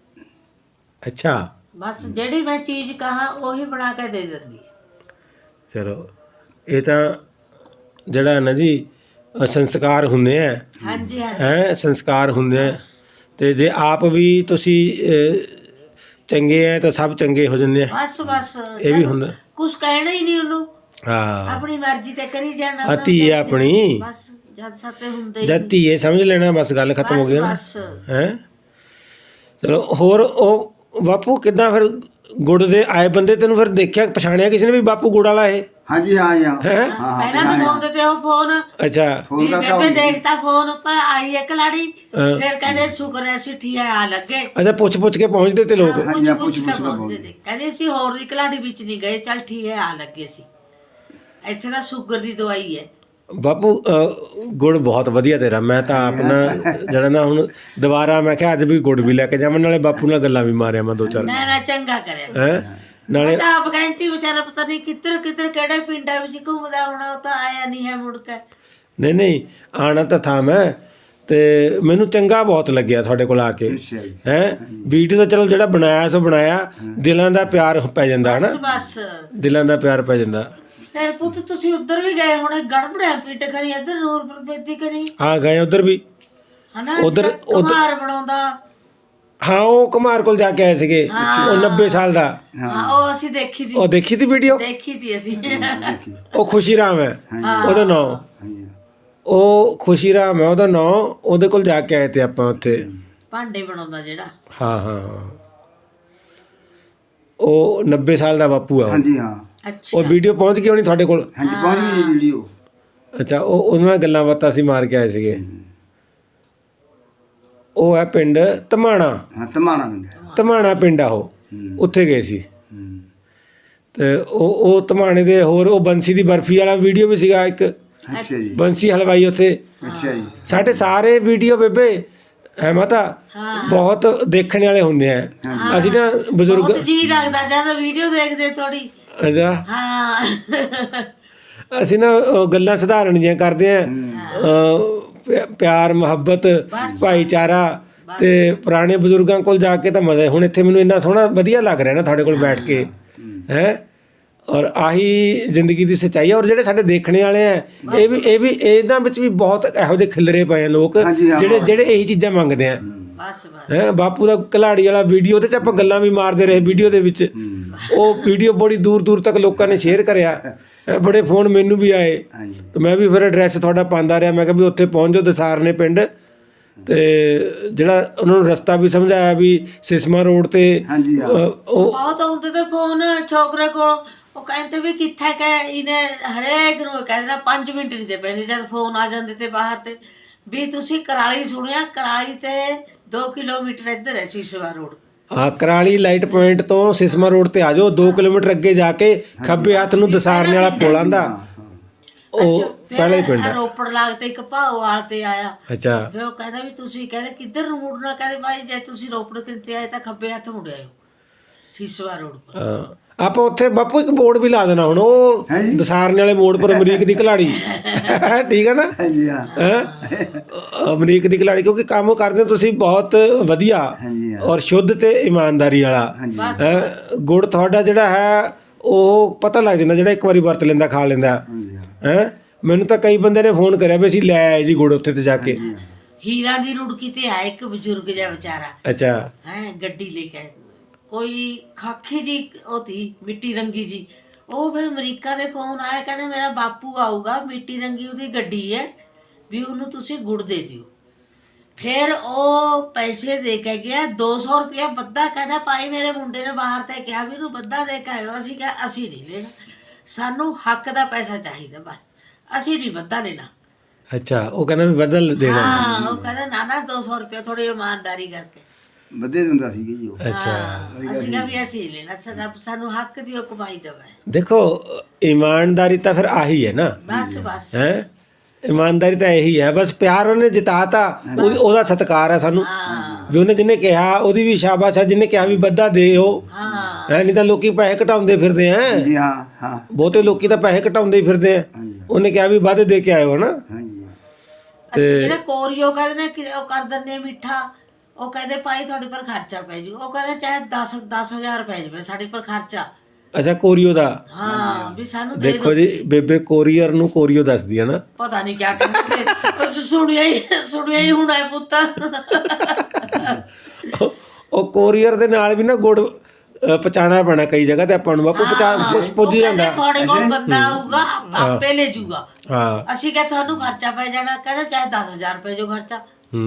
[SPEAKER 2] ਅੱਛਾ
[SPEAKER 1] ਬਸ ਜਿਹੜੀ ਮੈਂ ਚੀਜ਼ ਕਹਾ ਉਹੀ ਬਣਾ ਕੇ ਦੇ ਦਿੰਦੀ ਹੈ।
[SPEAKER 2] ਚਲੋ ਇਹ ਤਾਂ ਜਿਹੜਾ ਨਾ ਜੀ ਸੰਸਕਾਰ ਹੁੰਦੇ ਆ
[SPEAKER 1] ਹਾਂਜੀ ਹਾਂਜੀ
[SPEAKER 2] ਹੈ ਸੰਸਕਾਰ ਹੁੰਦੇ ਆ ਤੇ ਜੇ ਆਪ ਵੀ ਤੁਸੀਂ ਚੰਗੇ ਆ ਤਾਂ ਸਭ ਚੰਗੇ ਹੋ ਜਾਂਦੇ ਆ।
[SPEAKER 1] ਬਸ ਬਸ
[SPEAKER 2] ਇਹ ਵੀ ਹੁੰਦਾ।
[SPEAKER 1] ਕੁਝ ਕਹਿਣਾ ਹੀ ਨਹੀਂ ਉਹਨੂੰ
[SPEAKER 2] ਹਾਂ
[SPEAKER 1] ਆਪਣੀ ਮਰਜ਼ੀ ਤੇ ਕਰੀ ਜਾਣਾ।
[SPEAKER 2] ਧੀ ਹੈ ਆਪਣੀ
[SPEAKER 1] ਬਸ ਜਦ ਸਤੇ ਹੁੰਦੇ ਹੀ
[SPEAKER 2] ਜਦ ਧੀਏ ਸਮਝ ਲੈਣਾ ਬਸ ਗੱਲ ਖਤਮ ਹੋ ਗਈ ਨਾ
[SPEAKER 1] ਬਸ
[SPEAKER 2] ਹੈ। ਚਲੋ ਹੋਰ ਉਹ ਬਾਪੂ ਕਿੱਦਾਂ ਫਿਰ ਗੁੜ ਦੇ ਆਏ ਬੰਦੇ ਤੈਨੂੰ ਫਿਰ ਦੇਖਿਆ ਪਛਾਣਿਆ ਕਿਸੇ ਨੇ ਵੀ ਬਾਪੂ ਗੁੜ ਵਾਲਾ ਇਹ?
[SPEAKER 3] ਹਾਂ ਜੀ ਹਾਂ ਜੀ ਹਾਂ
[SPEAKER 2] ਹੈਂ?
[SPEAKER 3] ਹਾਂ
[SPEAKER 1] ਪਹਿਲਾਂ ਦਿਖਾਉਂਦੇ ਤੇ ਉਹ ਫੋਨ
[SPEAKER 2] ਅੱਛਾ
[SPEAKER 3] ਫੋਨ ਕਰਤਾ
[SPEAKER 1] ਬੇਬੇ ਦੇਖਤਾ ਫੋਨ ਪਰ ਆਈ ਇੱਕ ਲਾੜੀ
[SPEAKER 2] ਹਾਂ।
[SPEAKER 1] ਫਿਰ ਕਹਿੰਦੇ ਸ਼ੁਕਰ ਹੈ ਸਿੱਠੀ ਆ ਲੱਗੇ।
[SPEAKER 2] ਅੱਛਾ ਪੁੱਛ ਕੇ ਪਹੁੰਚਦੇ ਤੇ ਲੋਕ।
[SPEAKER 3] ਹਾਂ।
[SPEAKER 1] ਪੁੱਛ
[SPEAKER 3] ਹਾਂ,
[SPEAKER 1] ਪੁੱਛ ਕੇ
[SPEAKER 3] ਪੁੱਛ ਕੇ
[SPEAKER 1] ਪਹੁੰਚਦੇ ਤੇ ਕਹਿੰਦੇ ਅਸੀਂ ਹੋਰ ਦੀ ਕਲਾੜੀ ਵਿੱਚ ਨਹੀਂ ਗਏ ਚੱਲ ਠੀਕ ਹੈ ਆ ਲੱਗੇ ਸੀ। ਇੱਥੇ ਤਾਂ ਸ਼ੂਗਰ ਦੀ ਦਵਾਈ ਹੈ।
[SPEAKER 2] ਬਾਪੂ ਗੁੜ ਬਹੁਤ ਵਧੀਆ ਤੇਰਾ। ਮੈਂ ਤਾਂ ਆਪ ਨਾ ਜਿਹੜਾ ਨਾ ਹੁਣ ਦੁਬਾਰਾ ਮੈਂ ਕਿਹਾ ਅੱਜ ਵੀ ਗੁੜ ਵੀ ਲੈ ਕੇ ਜਾਵਾਂ, ਨਾਲੇ ਬਾਪੂ ਨਾਲ ਗੱਲਾਂ ਵੀ ਮਾਰਿਆ ਮੈਂ 2-4
[SPEAKER 1] ਨਾ ਚੰਗਾ ਕਰਿਆ।
[SPEAKER 2] ਹੈ ਨਾਲੇ
[SPEAKER 1] ਤਾਂ ਆਪ ਕਹਿੰਦੀ ਵਿਚਾਰਾ ਪਤਾ ਨਹੀਂ ਕਿੱਧਰ ਕਿਹੜੇ ਪਿੰਡਾਂ ਵਿੱਚ ਘੁੰਮਦਾ ਹੋਣਾ, ਉਹ ਤਾਂ ਆਇਆ ਨਹੀਂ ਹੈ ਮੁੜ ਕੇ।
[SPEAKER 2] ਨਹੀਂ ਆਣਾ ਤਾਂ ਥਾ ਮੈਂ, ਤੇ ਮੈਨੂੰ ਚੰਗਾ ਬਹੁਤ ਲੱਗਿਆ ਤੁਹਾਡੇ ਕੋਲ ਆ ਕੇ।
[SPEAKER 3] ਅੱਛਾ ਜੀ।
[SPEAKER 2] ਹੈ ਵੀਡੀਓ ਤਾਂ ਚਲੋ ਜਿਹੜਾ ਬਣਾਇਆ ਸੋ ਬਣਾਇਆ, ਦਿਲਾਂ ਦਾ ਪਿਆਰ ਪੈ ਜਾਂਦਾ ਹਨਾ,
[SPEAKER 1] ਬਸ
[SPEAKER 2] ਦਿਲਾਂ ਦਾ ਪਿਆਰ ਪੈ ਜਾਂਦਾ।
[SPEAKER 1] ਫਿਰ ਪੁੱਤ ਤੁਸੀਂ ਉੱਧਰ ਵੀ ਗਏ ਹੋਣੇ, ਗੜਬੜਿਆ ਪਿੱਟ ਕਰੀ ਇੱਧਰ ਨੂਰਪੁਰ ਬੇਦੀ ਕਰੀ
[SPEAKER 2] ਹਾਂ ਗਏ ਉਧਰ ਵੀ,
[SPEAKER 1] ਹਨਾ,
[SPEAKER 2] ਉੱਧਰ-
[SPEAKER 1] ਕੁਮਾਰ ਬਣਾਉਂਦਾ।
[SPEAKER 2] ਹਾਂ ਉਹ ਕੁਮਾਰ ਕੋਲ ਜਾ ਕੇ ਆਏ ਸੀਗੇ, ਉਹ 90 ਸਾਲ ਦਾ।
[SPEAKER 1] ਹਾਂ ਉਹ ਅਸੀਂ ਦੇਖੀ ਤੀ,
[SPEAKER 2] ਉਹ ਦੇਖੀ ਤੀ ਵੀਡੀਓ,
[SPEAKER 1] ਦੇਖੀ ਤੀ ਅਸੀਂ।
[SPEAKER 2] ਉਹ ਖੁਸ਼ੀ ਰਾਮ ਹੈ ਉਹਦਾ ਨਾਂ,
[SPEAKER 3] ਹਾਂਜੀ
[SPEAKER 2] ਉਹ ਖੁਸ਼ੀ ਰਾਮ ਹੈ ਉਹਦਾ ਨਾਂ। ਉਹਦੇ ਕੋਲ ਜਾ ਕੇ ਆਏ ਤੇ ਆਪਾਂ ਉੱਥੇ।
[SPEAKER 1] ਭਾਂਡੇ ਬਣਾਉਂਦਾ ਜਿਹੜਾ।
[SPEAKER 2] ਹਾਂ ਉਹ 90 ਸਾਲ ਦਾ ਬਾਪੂ ਆ ਉਹ।
[SPEAKER 3] ਹਾਂਜੀ ਹਾਂ
[SPEAKER 1] ਅੱਛਾ
[SPEAKER 2] ਉਹ ਵੀਡੀਓ ਪਹੁੰਚ ਗਈ ਹੋਣੀ ਤੁਹਾਡੇ ਕੋਲ?
[SPEAKER 3] ਹਾਂਜੀ ਪਹੁੰਚ ਗਈ ਜੀ ਵੀਡੀਓ।
[SPEAKER 2] ਅੱਛਾ ਉਹ ਉਹਨਾਂ ਨਾਲ ਗੱਲਾਂ ਬਾਤਾਂ ਅਸੀਂ ਮਾਰ ਕੇ ਆਏ ਸੀਗੇ। ਉਹ ਹੈ ਪਿੰਡ ਧਮਾਣਾ,
[SPEAKER 3] ਹਾਂ ਧਮਾਣਾ ਪਿੰਡ।
[SPEAKER 2] ਧਮਾਣਾ ਪਿੰਡ ਆ ਉਹ, ਉੱਥੇ ਗਏ ਸੀ। ਤੇ ਉਹ ਧਮਾਣੇ ਦੇ ਹੋਰ ਉਹ ਬੰਸੀ ਦੀ ਬਰਫੀ ਵਾਲਾ ਵੀਡੀਓ ਵੀ ਸੀਗਾ ਇੱਕ,
[SPEAKER 3] ਅੱਛਾ ਜੀ।
[SPEAKER 2] ਬੰਸੀ ਹਲਵਾਈ ਉੱਥੇ।
[SPEAKER 3] ਅੱਛਾ ਜੀ।
[SPEAKER 2] ਸਾਡੇ ਸਾਰੇ ਵੀਡੀਓ ਬੇਬੇ ਹੈ ਮਾਤਾ ਬਹੁਤ ਦੇਖਣ ਵਾਲੇ ਹੁੰਦੇ ਆ। ਅਸੀਂ ਨਾ ਬਜ਼ੁਰਗ
[SPEAKER 1] ਬਹੁਤ ਜੀ ਲੱਗਦਾ ਜਦ ਵੀਡੀਓ ਦੇਖਦੇ ਥੋੜੀ।
[SPEAKER 2] ਅੱਛਾ
[SPEAKER 1] ਹਾਂ
[SPEAKER 2] ਅਸੀਂ ਨਾ ਗੱਲਾਂ ਸਧਾਰਨ ਜਿਹੀਆਂ ਕਰਦੇ ਆ, ਪਿਆਰ ਮੁਹੱਬਤ ਭਾਈਚਾਰਾ, ਤੇ ਪੁਰਾਣੇ ਬਜ਼ੁਰਗਾਂ ਕੋਲ ਜਾ ਕੇ ਤਾਂ ਮਜ਼ਾ। ਹੁਣ ਇੱਥੇ ਮੈਨੂੰ ਇੰਨਾ ਸੋਹਣਾ ਵਧੀਆ ਲੱਗ ਰਿਹਾ ਨਾ ਤੁਹਾਡੇ ਕੋਲ ਬੈਠ ਕੇ, ਹੈ। ਔਰ ਆਹੀ ਜ਼ਿੰਦਗੀ ਦੀ ਸੱਚਾਈ ਹੈ। ਔਰ ਜਿਹੜੇ ਸਾਡੇ ਦੇਖਣੇ ਵਾਲੇ ਆ ਇਹ ਵੀ ਇਹਨਾਂ ਵਿੱਚ ਵੀ ਬਹੁਤ ਇਹੋ ਜਿਹੇ ਖਿਲਰੇ ਪਏ ਆ ਲੋਕ ਜਿਹੜੇ ਇਹੀ ਚੀਜ਼ਾਂ ਮੰਗਦੇ ਆ।
[SPEAKER 1] ਬਸ
[SPEAKER 2] ਹੈ ਬਾਪੂ ਦਾ ਕਲਾੜੀ ਵਾਲਾ ਵੀਡੀਓ, ਉਹਦੇ 'ਚ ਆਪਾਂ ਗੱਲਾਂ ਵੀ ਮਾਰਦੇ ਰਹੇ ਵੀਡੀਓ ਦੇ ਵਿੱਚ। ਉਹ ਵੀਡੀਓ ਬੜੀ ਦੂਰ ਤੱਕ ਲੋਕਾਂ ਨੇ ਸ਼ੇਅਰ ਕਰਿਆ, ਬੜੇ ਫੋਨ ਮੈਨੂੰ ਵੀ ਆਏ। ਤੇ ਮੈਂ ਵੀ ਫਿਰ ਐਡਰੈਸ ਤੁਹਾਡਾ ਪਾਉਂਦਾ ਰਿਹਾ, ਮੈਂ ਕਿਹਾ ਵੀ ਉੱਥੇ ਪਹੁੰਚ ਜਾਓ ਦਸਾਰ ਨੇ ਪਿੰਡ। ਤੇ ਜਿਹੜਾ ਉਹਨਾਂ ਨੂੰ ਰਸਤਾ ਵੀ ਸਮਝਾਇਆ ਵੀ ਸਿਸਮਾ ਰੋਡ ਤੇ। ਉਹ
[SPEAKER 1] ਬਹੁਤ ਆਉਂਦੇ ਤੇ ਫੋਨ ਛੋਕਰੇ ਕੋਲ, ਉਹ ਕਹਿੰਦੇ ਵੀ ਕਿੱਥੇ ਕਹੇ ਇਹਨੇ ਹਰੇਕ ਨੂੰ ਕਹਿ ਦੇਣਾ 5 ਮਿੰਟ ਨਹੀਂ ਦੇ ਪੈਂਦੇ ਜਦ ਫੋਨ ਆ ਜਾਂਦੇ ਤੇ ਬਾਹਰ ਤੇ ਵੀ ਤੁਸੀਂ ਕਰਾਲੀ ਸੁਣਿਆ, ਕਰਾਲੀ ਤੇ 2 ਕਿਲੋਮੀਟਰ ਇੱਧਰ ਹੈ ਸਿਸਮਾ ਰੋਡ।
[SPEAKER 2] ਹਾਂ ਕਰਾਲੀ ਲਾਈਟ ਪੁਆਇੰਟ ਤੋਂ ਸਿਸਮਾ ਰੋਡ ਤੇ ਆ ਜਾਓ, 2 ਕਿਲੋਮੀਟਰ ਅੱਗੇ ਜਾ ਕੇ ਖੱਬੇ ਹੱਥ ਨੂੰ ਦਸਾਰਨੇ ਵਾਲਾ ਪੁਲ ਆਂਦਾ, ਉਹ ਪਹਿਲਾ ਹੀ ਪਿੰਡ ਹੈ।
[SPEAKER 1] ਰੋਪੜ ਲੱਗਦੇ ਇੱਕ ਭਾਓਵਾਲ ਤੇ ਆਇਆ।
[SPEAKER 2] ਅੱਛਾ
[SPEAKER 1] ਫਿਰ ਉਹ ਕਹਿੰਦਾ ਵੀ ਤੁਸੀਂ ਕਹਿੰਦੇ ਕਿੱਧਰ ਨੂੰ ਮੁੜਨਾ, ਕਹਿੰਦੇ ਭਾਈ ਜੇ ਤੁਸੀਂ ਰੋਪੜ ਕਿਤੇ ਆਏ ਤਾਂ ਖੱਬੇ ਹੱਥ ਮੁੜ ਆਇਓ ਸਿਸਮਾ ਰੋਡ ਪਰ।
[SPEAKER 2] ਆਪਾਂ ਉੱਥੇ ਬਾਪੂ ਇੱਕ ਬੋਰਡ ਵੀ ਲਾ ਦੇਣਾ ਹੁਣ, ਉਹ ਦਸਾਰਨੇ ਵਾਲੇ ਮੋੜ ਪਰ ਅਮਰੀਕ ਦੀ ਘਲਾੜੀ। ਠੀਕ ਹੈ ਨਾ?
[SPEAKER 3] ਹਾਂਜੀ ਹਾਂ
[SPEAKER 2] ਅਮਰੀਕ ਦੀ ਘਲਾੜੀ, ਕਿਉਂਕਿ ਕੰਮ ਕਰਦੇ ਤੁਸੀਂ ਬਹੁਤ ਵਧੀਆ ਔਰ ਸ਼ੁੱਧ ਤੇ ਇਮਾਨਦਾਰੀ ਵਾਲਾ। ਗੁੜ ਤੁਹਾਡਾ ਜਿਹੜਾ ਹੈ ਉਹ ਪਤਾ ਲੱਗ ਜਾਂਦਾ, ਜਿਹੜਾ ਇੱਕ ਵਾਰੀ ਵਰਤ ਲੈਂਦਾ ਖਾ ਲੈਂਦਾ ਹੈ। ਮੈਨੂੰ ਤਾਂ ਕਈ ਬੰਦੇ ਨੇ ਫੋਨ ਕਰਿਆ ਵੀ ਅਸੀਂ ਲੈ ਆਏ ਜੀ ਗੁੜ ਉੱਥੇ ਤੇ ਜਾ ਕੇ।
[SPEAKER 1] ਹੀਰਾ ਦੀ ਰੁੜਕੀ ਤੇ ਆਇਆ ਇੱਕ ਬਜ਼ੁਰਗ ਜਿਹਾ ਵਿਚਾਰਾ,
[SPEAKER 2] ਅੱਛਾ
[SPEAKER 1] ਹੈ ਗੱਡੀ ਲੈ ਕੇ ਕੋਈ ਖਾਖੀ ਜੀ ਉਹਦੀ ਮਿੱਟੀ ਰੰਗੀ ਜੀ। ਉਹ ਫਿਰ ਅਮਰੀਕਾ ਦੇ ਫੋਨ ਆਇਆ, ਕਹਿੰਦੇ ਮੇਰਾ ਬਾਪੂ ਆਊਗਾ, ਮਿੱਟੀ ਰੰਗੀ ਉਹਦੀ ਗੱਡੀ ਹੈ ਵੀ ਉਹਨੂੰ ਤੁਸੀਂ ਗੁੜ ਦੇ ਦਿਓ। ਫਿਰ ਉਹ ਪੈਸੇ ਦੇ ਕੇ ਗਿਆ 200 ਰੁਪਇਆ ਬੱਧਾ, ਕਹਿੰਦਾ ਭਾਈ ਮੇਰੇ ਮੁੰਡੇ ਨੇ ਬਾਹਰ ਤੇ ਕਿਹਾ ਵੀ ਇਹਨੂੰ ਬੱਧਾ ਦੇ ਕੇ ਆਇਓ। ਅਸੀਂ ਕਿਹਾ ਅਸੀਂ ਨਹੀਂ ਲੈਣਾ, ਸਾਨੂੰ ਹੱਕ ਦਾ ਪੈਸਾ ਚਾਹੀਦਾ, ਬਸ ਅਸੀਂ ਨਹੀਂ ਬੱਧਾ ਲੈਣਾ।
[SPEAKER 2] ਅੱਛਾ ਉਹ ਕਹਿੰਦਾ ਵੀ ਬਦਲ ਦੇਣਾ।
[SPEAKER 1] ਹਾਂ ਉਹ ਕਹਿੰਦਾ ਨਾ 200 ਰੁਪਇਆ ਥੋੜੀ ਇਮਾਨਦਾਰੀ ਕਰਕੇ
[SPEAKER 3] ਵਧੇ ਦਿੰਦਾ ਸੀਗਾ ਜੀ ਉਹ।
[SPEAKER 2] ਅੱਛਾ
[SPEAKER 1] ਅਸੀਂ ਕਿਹਾ ਵੀ ਅਸੀਂ ਲੈਣਾ, ਸਾਨੂੰ ਹੱਕ ਦੀ ਉਹ ਕਮਾਈ ਦੇਵੇ।
[SPEAKER 2] ਦੇਖੋ ਇਮਾਨਦਾਰੀ ਤਾਂ ਫਿਰ ਆਹੀ ਹੈ ਨਾ,
[SPEAKER 1] ਬਸ
[SPEAKER 2] ਹੈ ਇਮਾਨਦਾਰੀ ਤਾਂ ਇਹੀ ਹੈ। ਬਸ ਪਿਆਰ ਉਹਨੇ ਜਿਤਾਤਾ, ਉਹਦਾ ਸਤਿਕਾਰ ਹੈ ਸਾਨੂੰ ਵੀ ਉਹਨੇ ਜਿਹਨੇ ਕਿਹਾ ਉਹਦੀ ਵੀ ਸ਼ਾਬਾਸ਼ ਹੈ, ਜਿਹਨੇ ਕਿਹਾ ਵੀ ਬੱਧਾ ਦਿਓ। ਹੈ ਨਹੀਂ ਤਾਂ ਲੋਕੀ ਪੈਸੇ ਘਟਾਉਂਦੇ ਫਿਰਦੇ ਆ।
[SPEAKER 3] ਜੀ ਹਾਂ ਹਾਂ
[SPEAKER 2] ਬਹੁਤੇ ਲੋਕੀ ਤਾਂ ਪੈਸੇ ਘਟਾਉਂਦੇ ਹੀ ਫਿਰਦੇ ਆ। ਉਹਨੇ ਕਿਹਾ ਵੀ ਵੱਧ ਦੇ ਕੇ ਆਇਓ ਨਾ।
[SPEAKER 3] ਹਾਂਜੀ
[SPEAKER 1] ਤੇ ਜਿਹੜੇ ਕੋਰੀਓ ਕਹਿੰਦੇ ਨੇ ਕਿ ਉਹ ਕਰ ਦਿੰਦੇ ਮਿੱਠਾ, ਉਹ ਕਹਿੰਦੇ ਭਾਈ ਤੁਹਾਡੇ ਪਰ ਖਰਚਾ ਪੈ ਜੂ। ਉਹ ਕਹਿੰਦੇ ਚਾਹੇ 10,000 ਪੈ ਜਾਵੇ ਸਾਡੇ ਪਰ ਖਰਚਾ।
[SPEAKER 2] ਅੱਛਾ ਕੋਰੀਓ ਦਾ।
[SPEAKER 1] ਹਾਂ ਵੀ ਸਾਨੂੰ ਦੇ
[SPEAKER 2] ਦੇਖੋ ਜੀ ਬੇਬੇ ਕੋਰੀਅਰ ਨੂੰ ਕੋਰੀਓ ਦੱਸਦੀ ਹੈ ਨਾ।
[SPEAKER 1] ਪਤਾ ਨਹੀਂ ਕਿਆ ਕਹਿੰਦੇ, ਸੁਣਿਆ ਹੀ ਹੁਣ ਹੈ ਪੁੱਤ।
[SPEAKER 2] ਉਹ ਕੋਰੀਅਰ ਦੇ ਨਾਲ ਵੀ ਨਾ ਗੁੜ ਪਹੁੰਚਾਉਣਾ ਪੈਣਾ ਕਈ ਜਗ੍ਹਾ ਤੇ ਆਪਾਂ ਨੂੰ। ਬਾਪੂ ਪੁੱਜ ਜਾਂਦਾ
[SPEAKER 1] ਤੁਹਾਡੇ ਕੋਲ ਬੰਦਾ ਆਊਗਾ ਆਪੇ ਲੈ ਜੂਗਾ।
[SPEAKER 2] ਹਾਂ
[SPEAKER 1] ਅਸੀਂ ਕਿਹਾ ਤੁਹਾਨੂੰ ਖਰਚਾ ਪੈ ਜਾਣਾ, ਕਹਿੰਦਾ ਚਾਹੇ 10,000 ਰੁਪਏ ਜੋ ਖਰਚਾ।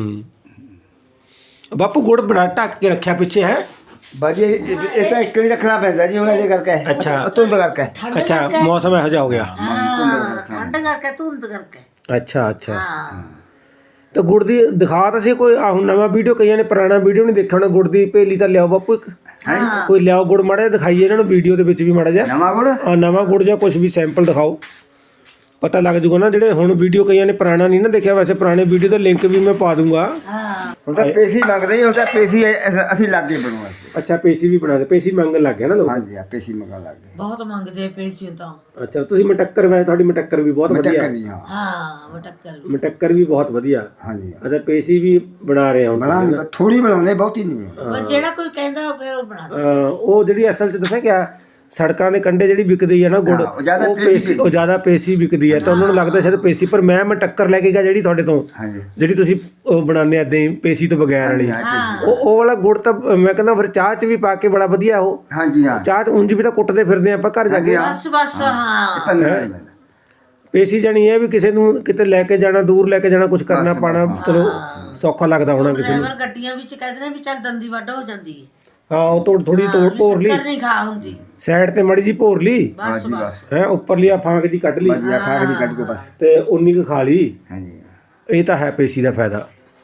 [SPEAKER 2] ਬਾਪੂ ਗੁੜ ਬੜਾ ਢੱਕ ਕੇ ਰੱਖਿਆ ਪਿੱਛੇ ਹੈ
[SPEAKER 3] ਬਾਜੀ। ਇਹ ਤਾਂ ਇੱਕ ਨਹੀਂ ਰੱਖਣਾ ਪੈਂਦਾ ਜੀ ਹੁਣ ਇਹਦੇ ਕਰਕੇ।
[SPEAKER 2] ਅੱਛਾ
[SPEAKER 3] ਧੁੰਦ ਕਰਕੇ।
[SPEAKER 2] ਅੱਛਾ ਮੌਸਮ ਇਹੋ ਜਿਹਾ ਹੋ ਗਿਆ।
[SPEAKER 1] ਠੰਡ ਕਰਕੇ ਧੁੰਦ ਕਰਕੇ।
[SPEAKER 2] ਅੱਛਾ ਤਾਂ ਗੁੜ ਦੀ ਦਿਖਾ ਤਾਂ ਸੀ ਕੋਈ ਹੁਣ ਨਵਾਂ ਵੀਡੀਓ, ਕਈਆਂ ਨੇ ਪੁਰਾਣਾ ਵੀਡੀਓ ਨਹੀਂ ਦੇਖਿਆ ਹੋਣਾ। ਗੁੜ ਦੀ ਭੇਲੀ ਤਾਂ ਲਿਆਓ ਬਾਪੂ ਇੱਕ, ਕੋਈ ਲਿਆਓ ਗੁੜ ਮਾੜਾ ਜਿਹਾ ਦਿਖਾਈਏ ਇਹਨਾਂ ਨੂੰ ਵੀਡੀਓ ਦੇ ਵਿੱਚ ਵੀ ਮਾੜਾ ਜਿਹਾ
[SPEAKER 3] ਨਵਾਂ ਗੁੜ।
[SPEAKER 2] ਨਵਾਂ ਗੁੜ ਜਾਂ ਕੁਝ ਵੀ ਸੈਂਪਲ ਦਿਖਾਓ। ਪਤਾ ਲੱਗ ਜੂਗਾ ਨਾ। ਜਿਹੜੇ ਹੁਣ ਵੀਡੀਓ ਕਈਆਂ ਨੇ ਪੁਰਾਣਾ ਨਹੀਂ ਨਾ ਦੇਖਿਆ, ਵੈਸੇ ਪੁਰਾਣੇ ਵੀਡੀਓ ਦਾ ਲਿੰਕ ਵੀ ਮੈਂ ਪਾ ਦੂੰਗਾ।
[SPEAKER 1] ਹਾਂ
[SPEAKER 3] ਹੁਣ ਤਾਂ ਪੇਸੀ ਮੰਗਦੇ ਜੀ, ਹੁਣ ਤਾਂ ਪੇਸੀ ਅਸੀਂ ਲੱਗੇ ਬਣਵਾ।
[SPEAKER 2] ਅੱਛਾ ਪੇਸੀ ਵੀ ਬਣਾ ਦੇ, ਪੇਸੀ ਮੰਗਣ ਲੱਗ ਗਿਆ ਨਾ ਲੋਕ।
[SPEAKER 3] ਹਾਂਜੀ ਆ ਪੇਸੀ ਮੰਗਣ ਲੱਗ ਗਏ।
[SPEAKER 1] ਬਹੁਤ ਮੰਗਦੇ ਆ ਪੈਸੇ ਤਾਂ।
[SPEAKER 2] ਅੱਛਾ ਤੁਸੀਂ ਮਟੱਕਰ ਵੈਸੇ ਤੁਹਾਡੀ ਮਟੱਕਰ ਵੀ ਬਹੁਤ ਵਧੀਆ।
[SPEAKER 3] ਮਟੱਕਰ ਵੀ ਹਾਂ।
[SPEAKER 1] ਹਾਂ ਮਟੱਕਰ
[SPEAKER 2] ਮਟੱਕਰ ਵੀ ਬਹੁਤ ਵਧੀਆ।
[SPEAKER 3] ਹਾਂਜੀ
[SPEAKER 2] ਅੱਛਾ ਪੇਸੀ ਵੀ ਬਣਾ ਰਹੇ ਹੁਣ ਤੁਸੀਂ।
[SPEAKER 3] ਬਣਾ ਥੋੜੀ ਬਣਾਉਂਦੇ, ਬਹੁਤੀ ਨਹੀਂ ਬਣਾਉਂਦੇ।
[SPEAKER 1] ਪਰ ਜਿਹੜਾ ਕੋਈ ਕਹਿੰਦਾ ਹੋਵੇ ਉਹ ਬਣਾ ਦੇ।
[SPEAKER 2] ਉਹ ਜਿਹੜੀ ਅਸਲ 'ਚ ਦੱਸਿਆ ਕਿਆ, ਸੜਕਾਂ ਦੇ ਕੰਢੇ ਜਿਹੜੀ ਵਿਕਦੀ ਹੈ ਨਾ ਗੁੜ,
[SPEAKER 3] ਉਹ ਜ਼ਿਆਦਾ
[SPEAKER 2] ਉਹ
[SPEAKER 3] ਪੇਸੀ
[SPEAKER 2] ਪੇਸੀ, ਉਹ ਜ਼ਿਆਦਾ ਪੇਸੀ ਵਿਕਦੀ ਹੈ ਤਾਂ ਉਹਨਾਂ ਨੂੰ ਲੱਗਦਾ ਸ਼ਾਇਦ ਪੇਸੀ। ਪਰ ਮੈਂ ਮਟੱਕਰ ਲੈ ਕੇ ਗਿਆ ਜਿਹੜੀ ਤੁਹਾਡੇ ਤੋਂ,
[SPEAKER 3] ਹਾਂਜੀ
[SPEAKER 2] ਜਿਹੜੀ ਤੁਸੀਂ ਉਹ ਬਣਾਉਂਦੇ ਏਦਾਂ ਹੀ ਪੇਸੀ ਤੋਂ ਬਗੈਰ ਵਾਲੀ,
[SPEAKER 3] ਹਾਂ ਪੇਸੀ।
[SPEAKER 2] ਉਹ ਵਾਲਾ ਗੁੜ ਤਾਂ ਮੈਂ ਕਹਿੰਦਾ ਫਿਰ ਚਾਹ 'ਚ ਵੀ ਪਾ ਕੇ ਬੜਾ ਵਧੀਆ। ਉਹ
[SPEAKER 3] ਹਾਂਜੀ ਹਾਂ
[SPEAKER 2] ਚਾਹ 'ਚ ਉਂਝ ਵੀ ਤਾਂ ਕੁੱਟਦੇ ਫਿਰਦੇ ਆਪਾਂ ਘਰ ਜਾ ਕੇ।
[SPEAKER 1] ਬਸ ਬਸ ਹਾਂ।
[SPEAKER 3] ਪੰਦਰਾਂ ਨਹੀਂ ਪੈਂਦਾ।
[SPEAKER 2] ਪੇਸੀ ਜਾਣੀ ਇਹ ਵੀ ਕਿਸੇ ਨੂੰ ਕਿਤੇ ਲੈ ਕੇ ਜਾਣਾ, ਦੂਰ ਲੈ ਕੇ ਜਾਣਾ, ਕੁਝ ਕਰਨਾ ਪਾਣਾ, ਚਲੋ ਸੌਖਾ ਲੱਗਦਾ ਹੋਣਾ ਕਿਸੇ ਨੂੰ।
[SPEAKER 1] ਡਰਾਈਵਰ ਗੱਡੀਆਂ ਵਿੱਚ ਕਹਿੰਦੇ ਨੇ ਵੀ ਚੱਲ ਦੰਦੀ ਵੱਢ ਹੋ ਜਾਂਦੀ ਹੈ।
[SPEAKER 2] ਹਾਂ ਉਹ ਥੋੜੀ ਭੋਰ ਲਈ
[SPEAKER 1] ਸ਼ੱਕਰ ਨਹੀਂ ਖਾ ਹੁੰਦੀ।
[SPEAKER 2] ਸਾਈਡ ਤੇ ਮੜੀ ਜੀ ਭੋਰ ਲਈ
[SPEAKER 1] ਬਸ
[SPEAKER 3] ਹਾਂਜੀ
[SPEAKER 1] ਬਸ
[SPEAKER 3] ਬਸ
[SPEAKER 2] ਹੈ, ਉੱਪਰਲੀ ਆ ਫਾਂਕ ਜੀ ਕੱਢ ਲਈ
[SPEAKER 3] ਵਧੀਆ ਖਾ ਕੇ ਕੱਢ ਕੇ ਬਸ।
[SPEAKER 2] ਤੇ ਉਨੀ ਕੁ ਖਾ ਲਈ।
[SPEAKER 3] ਹਾਂਜੀ
[SPEAKER 2] ਇਹ ਤਾਂ ਹੈ ਪੇਸੀ ਦਾ ਫਾਇਦਾ।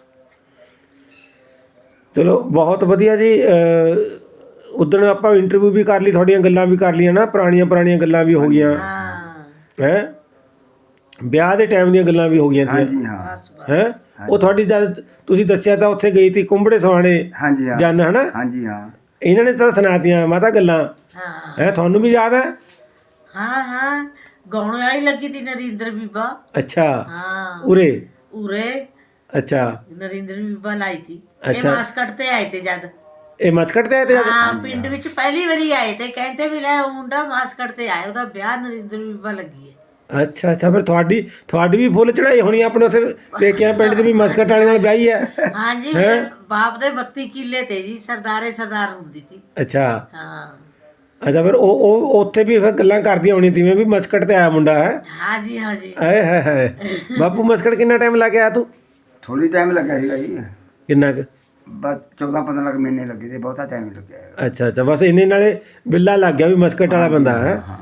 [SPEAKER 2] ਚਲੋ ਬਹੁਤ ਵਧੀਆ ਜੀ। ਉਦਣ ਆਪਾਂ ਇੰਟਰਵਿਊ ਵੀ ਕਰ ਲਈ, ਤੁਹਾਡੀਆਂ ਗੱਲਾਂ ਵੀ ਕਰ ਲਈਆਂ ਨਾ, ਪੁਰਾਣੀਆਂ ਗੱਲਾਂ ਵੀ ਹੋ ਗਈਆਂ
[SPEAKER 1] ਹਾਂ
[SPEAKER 2] ਹੈ, ਵਿਆਹ ਦੇ ਟਾਈਮ ਦੀਆਂ ਗੱਲਾਂ ਵੀ ਹੋ ਗਈਆਂ ਤੀਆਂ
[SPEAKER 3] ਹਾਂਜੀ ਹਾਂ
[SPEAKER 1] ਬਸ ਬਸ।
[SPEAKER 2] ਹੈ। ਉਹ ਤੁਹਾਡੀ ਜਦ ਤੁਸੀਂ ਦੱਸਿਆ ਤਾਂ ਉੱਥੇ ਗਈ ਤੀ ਕੁੰਬੜੇ ਸਵਾਣੇ
[SPEAKER 3] ਹਾਂਜੀ ਹਾਂ
[SPEAKER 2] ਜਨ, ਹਨਾ?
[SPEAKER 3] ਹਾਂਜੀ ਹਾਂ
[SPEAKER 2] ਇਹਨਾਂ ਨੇ ਤਾਂ ਸੁਣਾਤੀਆਂ ਮਾਤਾ ਗੱਲਾਂ
[SPEAKER 1] ਹਾਂ
[SPEAKER 2] ਹੈ, ਤੁਹਾਨੂੰ ਵੀ ਯਾਦ ਹੈ?
[SPEAKER 1] ਹਾਂ ਹਾਂ ਗਾਉਣ ਵਾਲੀ ਲੱਗੀ ਤੀ ਨਰਿੰਦਰ ਬੀਬਾ।
[SPEAKER 2] ਅੱਛਾ
[SPEAKER 1] ਹਾਂ
[SPEAKER 2] ਉਰੇ।
[SPEAKER 1] ਉਰੇ
[SPEAKER 2] ਅੱਛਾ
[SPEAKER 1] ਨਰਿੰਦਰ ਬੀਬਾ ਲਾਈ ਤੀ। ਇਹ
[SPEAKER 2] ਅੱਛਾ।
[SPEAKER 1] ਮਾਸਕਟ ਤੇ ਆਏ ਤੇ ਜਦ।
[SPEAKER 2] ਇਹ ਮਸਕਟ ਤੇ ਆਏ ਤੇ ਜਦ?
[SPEAKER 1] ਹਾਂ ਪਿੰਡ ਵਿੱਚ ਪਹਿਲੀ ਵਾਰੀ ਆਏ ਤੇ ਕਹਿੰਦੇ ਵੀ ਲੈ ਉਹ ਮੁੰਡਾ ਮਾਸਕਟ ਤੇ ਆਇਆ, ਉਹਦਾ ਵਿਆਹ ਨਰਿੰਦਰ ਬੀਬਾ ਲੱਗੀ ਹੈ।
[SPEAKER 2] ਅੱਛਾ ਫਿਰ ਤੁਹਾਡੀ ਵੀ ਫੁੱਲ ਚੜਾਈ ਹੋਣੀ ਆਪਣੇ ਉੱਥੇ ਪੇਕਿਆਂ ਪਿੰਡ 'ਚ ਵੀ ਮਸਕਟ ਵਾਲੇ ਨਾਲ ਵਿਆਹੀ ਹੈ।
[SPEAKER 1] ਹਾਂਜੀ ਮੇਰੇ ਬਾਪ ਦੇ 32 ਕਿੱਲੇ ਤੇ ਜੀ, ਸਰਦਾਰ ਹੁੰਦੀ ਤੀ।
[SPEAKER 2] ਅੱਛਾ
[SPEAKER 1] ਹਾਂ
[SPEAKER 2] ਅੱਛਾ ਫਿਰ ਉਹ ਉੱਥੇ ਵੀ ਫਿਰ ਗੱਲਾਂ ਕਰਦੀਆਂ ਹੋਣੀਆਂ ਜਿਵੇਂ ਵੀ ਮਸਕਟ ਤੇ ਆਇਆ ਮੁੰਡਾ ਹੈ।
[SPEAKER 1] ਹਾਂਜੀ ਹਾਂਜੀ
[SPEAKER 2] ਆਏ ਹਾਏ ਬਾਪੂ ਮਸਕਟ ਕਿੰਨਾ ਟਾਈਮ ਲਾ ਕੇ ਆਇਆ ਤੂੰ?
[SPEAKER 3] ਥੋੜੀ ਟਾਈਮ ਲੱਗਿਆ ਸੀਗਾ ਜੀ,
[SPEAKER 2] ਕਿੰਨਾ ਕੁ?
[SPEAKER 3] ਬਸ 14-15 ਲੱਖ ਮਹੀਨੇ ਲੱਗੇ ਤੇ ਬਹੁਤਾ ਟਾਈਮ ਲੱਗਿਆ ਹੈ।
[SPEAKER 2] ਅੱਛਾ ਬਸ ਇੰਨੇ ਨਾਲੇ ਬਿੱਲਾ ਲੱਗ ਗਿਆ ਵੀ ਮਸਕਟ ਵਾਲਾ ਬੰਦਾ ਹੈ।
[SPEAKER 3] ਹਾਂ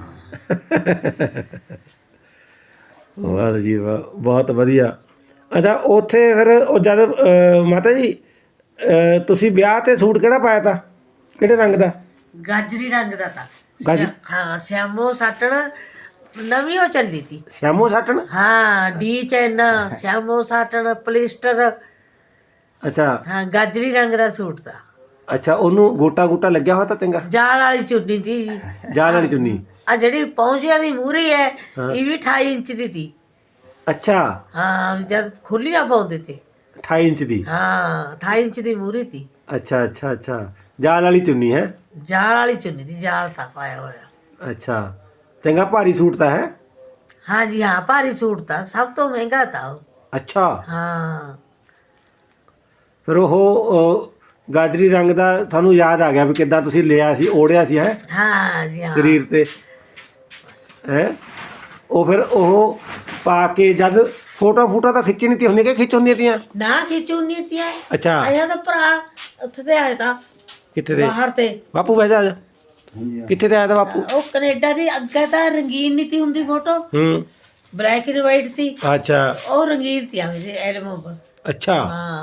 [SPEAKER 2] ਵਾਹ ਜੀ ਵਾਹ, ਬਹੁਤ ਵਧੀਆ। ਅੱਛਾ ਉੱਥੇ ਫਿਰ ਉਹ ਜਦ ਮਾਤਾ ਜੀ ਤੁਸੀਂ ਵਿਆਹ ਤੇ ਸੂਟ ਕਿਹੜਾ ਪਾਇਆ ਤਾ, ਕਿਹੜੇ ਰੰਗ ਦਾ?
[SPEAKER 1] ਗਾਜਰੀ ਰੰਗ ਦਾ ਤਾਂ।
[SPEAKER 2] ਗਾਜਰੀ?
[SPEAKER 1] ਹਾਂ ਸਿਆਮੋ ਸਾਟਣ ਨਵੀਂ ਉਹ ਚੱਲੀ ਤੀ।
[SPEAKER 2] ਸਿਆਮੋ ਸਾਟਣ?
[SPEAKER 1] ਹਾਂ ਡੀ ਚੈਨ ਸਿਆਮੋ ਸਾਟਣ ਪਲਿਸਟਰ।
[SPEAKER 2] ਅੱਛਾ
[SPEAKER 1] ਹਾਂ ਗਾਜਰੀ ਰੰਗ ਦਾ ਸੂਟ ਦਾ।
[SPEAKER 2] ਅੱਛਾ ਉਹਨੂੰ ਗੋਟਾ ਲੱਗਿਆ ਹੋਇਆ ਤਾਂ ਚੰਗਾ?
[SPEAKER 1] ਜਾਲ ਵਾਲੀ ਚੁੰਨੀ ਤੀ।
[SPEAKER 2] ਜਾਲ ਵਾਲੀ ਚੁੰਨੀ?
[SPEAKER 1] ਆ ਜਿਹੜੀ ਪੌਂਚਿਆਂ ਦੀ ਮੂਹਰੀ ਹੈ ਇਹ ਵੀ 28 ਇੰਚ ਦੀ ਤੀ।
[SPEAKER 2] ਅੱਛਾ
[SPEAKER 1] ਹਾਂ ਜਦ ਖੁੱਲੀਆਂ ਪਾਉਂਦੇ ਤੇ
[SPEAKER 2] 28 ਇੰਚ ਦੀ?
[SPEAKER 1] ਹਾਂ 28 ਇੰਚ ਦੀ ਮੂਹਰੀ ਤੀ।
[SPEAKER 2] ਅੱਛਾ ਜਾਲ ਵਾਲੀ ਚੁੰਨੀ ਹੈ?
[SPEAKER 1] ਜਾਲ ਵਾਲੀ ਚੁੰਨੀ ਦੀ, ਜਾਲ ਤਾਂ ਪਾਇਆ ਹੋਇਆ।
[SPEAKER 2] ਅੱਛਾ ਚੰਗਾ ਭਾਰੀ ਸੂਟ ਤਾਂ ਹੈ?
[SPEAKER 1] ਹਾਂਜੀ ਹਾਂ ਭਾਰੀ ਸੂਟ ਤਾਂ ਸਭ ਤੋਂ ਮਹਿੰਗਾ ਤਾਂ ਉਹ।
[SPEAKER 2] ਅੱਛਾ
[SPEAKER 1] ਹਾਂ
[SPEAKER 2] ਫਿਰ ਉਹ ਗਾਜਰੀ ਰੰਗ ਦਾ ਤੁਹਾਨੂੰ ਯਾਦ ਆ ਗਿਆ ਵੀ ਕਿੱਦਾਂ ਤੁਸੀਂ ਲਿਆ ਸੀ, ਓੜਿਆ ਸੀ ਹੈ
[SPEAKER 1] ਹਾਂ ਜੀ ਹਾਂ
[SPEAKER 2] ਸਰੀਰ ਤੇ ਹੈ। ਉਹ ਫਿਰ ਉਹ ਪਾ ਕੇ ਜਦ ਫੋਟੋ ਤਾਂ ਖਿੱਚੀ ਨਹੀਂ ਤੀ ਹੁੰਦੀ ਕਿ ਖਿੱਚ ਹੁੰਦੀਆਂ ਤੀਆਂ?
[SPEAKER 1] ਨਾ ਖਿਚੂਨੀ ਤੀ ਆਏ।
[SPEAKER 2] ਅੱਛਾ
[SPEAKER 1] ਆਇਆ ਤਾਂ ਭਰਾ ਉੱਥੇ ਤੇ ਆਇਆ ਤਾਂ
[SPEAKER 2] ਕਿੱਥੇ ਤੇ?
[SPEAKER 1] ਬਾਹਰ ਤੇ।
[SPEAKER 2] ਬਾਪੂ ਬਹਿ ਜਾ ਆ ਜਾ।
[SPEAKER 3] ਹਾਂਜੀ ਹਾਂ
[SPEAKER 2] ਕਿੱਥੇ ਤੇ ਆਇਆ ਤਾ ਬਾਪੂ?
[SPEAKER 1] ਉਹ ਕੈਨੇਡਾ ਦੀ ਅੱਗੇ ਤਾਂ ਰੰਗੀਨ ਨਹੀਂ ਤੀ ਹੁੰਦੀ ਫੋਟੋ, ਬਲੈਕ ਐਂਡ ਵਾਈਟ ਤੀ।
[SPEAKER 2] ਅੱਛਾ
[SPEAKER 1] ਉਹ ਰੰਗੀਨ ਤੀ ਆਵੇਂ ਐਲਬਮ ਪਰ।
[SPEAKER 2] ਅੱਛਾ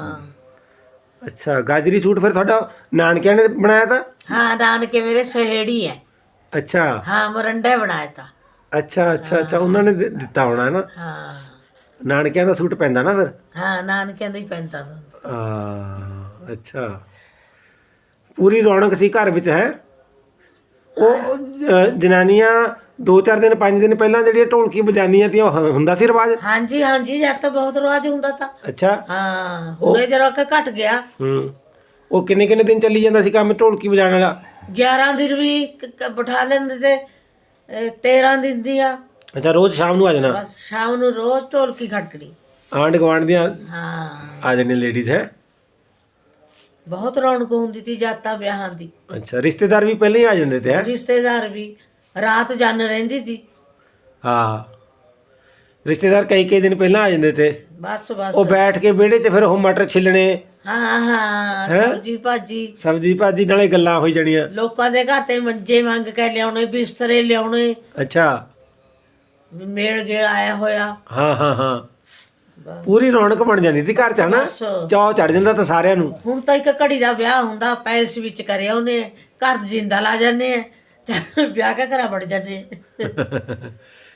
[SPEAKER 1] ਹਾਂ
[SPEAKER 2] ਗਾਜਰੀ ਸੂਟ ਫਿਰ ਤੁਹਾਡਾ ਨਾਨਕਿਆਂ ਨੇ ਬਣਾਇਆ ਤਾ?
[SPEAKER 1] ਹਾਂ ਨਾਨਕੇ ਮੇਰੇ ਸਹੇੜੀ ਹੈ।
[SPEAKER 2] ਅੱਛਾ
[SPEAKER 1] ਹਾਂ ਮਰੰਡਾ ਬਣਾਇਆ ਤਾ।
[SPEAKER 2] ਅੱਛਾ ਉਹਨਾਂ ਨੇ ਦਿੱਤਾ ਹੋਣਾ ਹੈ ਨਾ।
[SPEAKER 1] ਹਾਂ
[SPEAKER 2] ਨਾਨਕਿਆਂ ਦਾ ਸੂਟ ਪੈਂਦਾ ਨਾ ਫਿਰ?
[SPEAKER 1] ਹਾਂ ਨਾਨਕਿਆਂ ਦਾ ਹੀ ਪੈਂਦਾ ਤਾ।
[SPEAKER 2] ਅੱਛਾ ਪੂਰੀ ਰੌਣਕ ਸੀ ਘਰ ਵਿੱਚ ਹੈ। ਉਹ ਜਨਾਨੀਆਂ 2-4 ਦਿਨ 5 ਦਿਨ ਪਹਿਲਾਂ ਜਿਹੜੀਆਂ ਢੋਲਕੀ ਵਜਾਨੀਆਂ ਤੀਆਂ ਉਹ ਹੁੰਦਾ ਸੀ ਰਿਵਾਜ?
[SPEAKER 1] ਹਾਂਜੀ ਹਾਂਜੀ ਜਦ ਤਾਂ ਬਹੁਤ ਰਿਵਾਜ ਹੁੰਦਾ ਤਾ।
[SPEAKER 2] ਅੱਛਾ
[SPEAKER 1] ਹਾਂ ਹੁਣੇ ਜਰਾ ਕਿ ਘਟ ਗਿਆ।
[SPEAKER 2] ਉਹ ਕਿੰਨੇ ਦਿਨ ਚੱਲੀ ਜਾਂਦਾ ਸੀ ਕੰਮ ਢੋਲਕੀ ਵਜਾਉਣ ਵਾਲਾ?
[SPEAKER 1] 11 ਦਿਨ ਵੀ ਬਿਠਾ ਲੈਂਦੇ ਤੇ 13 ਦਿਨ ਦੀਆਂ।
[SPEAKER 2] ਅੱਛਾ ਰੋਜ਼ ਸ਼ਾਮ ਨੂੰ ਆ ਜਾਣਾ?
[SPEAKER 1] ਬਸ ਸ਼ਾਮ ਨੂੰ ਰੋਜ਼ ਢੋਲਕੀ ਖੜਕਣੀ।
[SPEAKER 2] ਆਂਢ ਗੁਆਂਢ ਦੀਆਂ
[SPEAKER 1] ਹਾਂ
[SPEAKER 2] ਆ ਜਾਂਦੀਆਂ ਲੇਡੀਜ਼ ਹੈ?
[SPEAKER 1] ਬਹੁਤ ਰੌਣਕ ਹੁੰਦੀ ਤੀ ਜਾਤਾਂ ਵਿਆਹਾਂ ਦੀ।
[SPEAKER 2] ਅੱਛਾ ਰਿਸ਼ਤੇਦਾਰ ਵੀ ਪਹਿਲਾਂ ਹੀ ਆ ਜਾਂਦੇ ਤੇ ਹੈ?
[SPEAKER 1] ਰਿਸ਼ਤੇਦਾਰ ਵੀ ਰਾਤ ਜਨ ਰਹਿੰਦੀ ਤੀ।
[SPEAKER 2] ਹਾਂ ਰਿਸ਼ਤੇਦਾਰ ਕਈ ਦਿਨ ਪਹਿਲਾਂ ਆ ਜਾਂਦੇ ਤੇ।
[SPEAKER 1] ਬਸ
[SPEAKER 2] ਉਹ ਬੈਠ ਕੇ ਵਿਹੜੇ 'ਚ ਫਿਰ ਉਹ ਮਟਰ ਛਿੱਲਣੇ।
[SPEAKER 1] ਹਾਂ ਸਬਜ਼ੀ ਭਾਜੀ
[SPEAKER 2] ਨਾਲੇ ਗੱਲਾਂ ਹੋਈ ਜਾਣੀਆਂ।
[SPEAKER 1] ਲੋਕਾਂ ਦੇ ਘਰ ਤੇ ਮੰਜੇ ਮੰਗ ਕੇ ਲਿਆਉਣੇ, ਬਿਸਤਰੇ ਲਿਆਉਣੇ।
[SPEAKER 2] ਅੱਛਾ
[SPEAKER 1] ਮੇਲ ਗੇਲ ਆਇਆ ਹੋਇਆ।
[SPEAKER 2] ਹਾਂ ਪੂਰੀ ਰੌਣਕ ਬਣ ਜਾਂਦੀ ਸੀ ਘਰ 'ਚ ਹਨਾ, ਚਾਅ ਚੜ ਜਾਂਦਾ ਤਾਂ ਸਾਰਿਆਂ ਨੂੰ।
[SPEAKER 1] ਹੁਣ ਤਾਂ ਇੱਕ ਘੜੀ ਦਾ ਵਿਆਹ ਹੁੰਦਾ ਪੈਲਸ ਵਿੱਚ ਕਰਿਆ ਉਹਨੇ, ਘਰ ਜਿੰਦਾ ਲਾ ਜਾਂਦੇ ਆ, ਵਿਆਹ ਕੇ ਘਰਾਂ ਵੜ ਜਾਂਦੇ।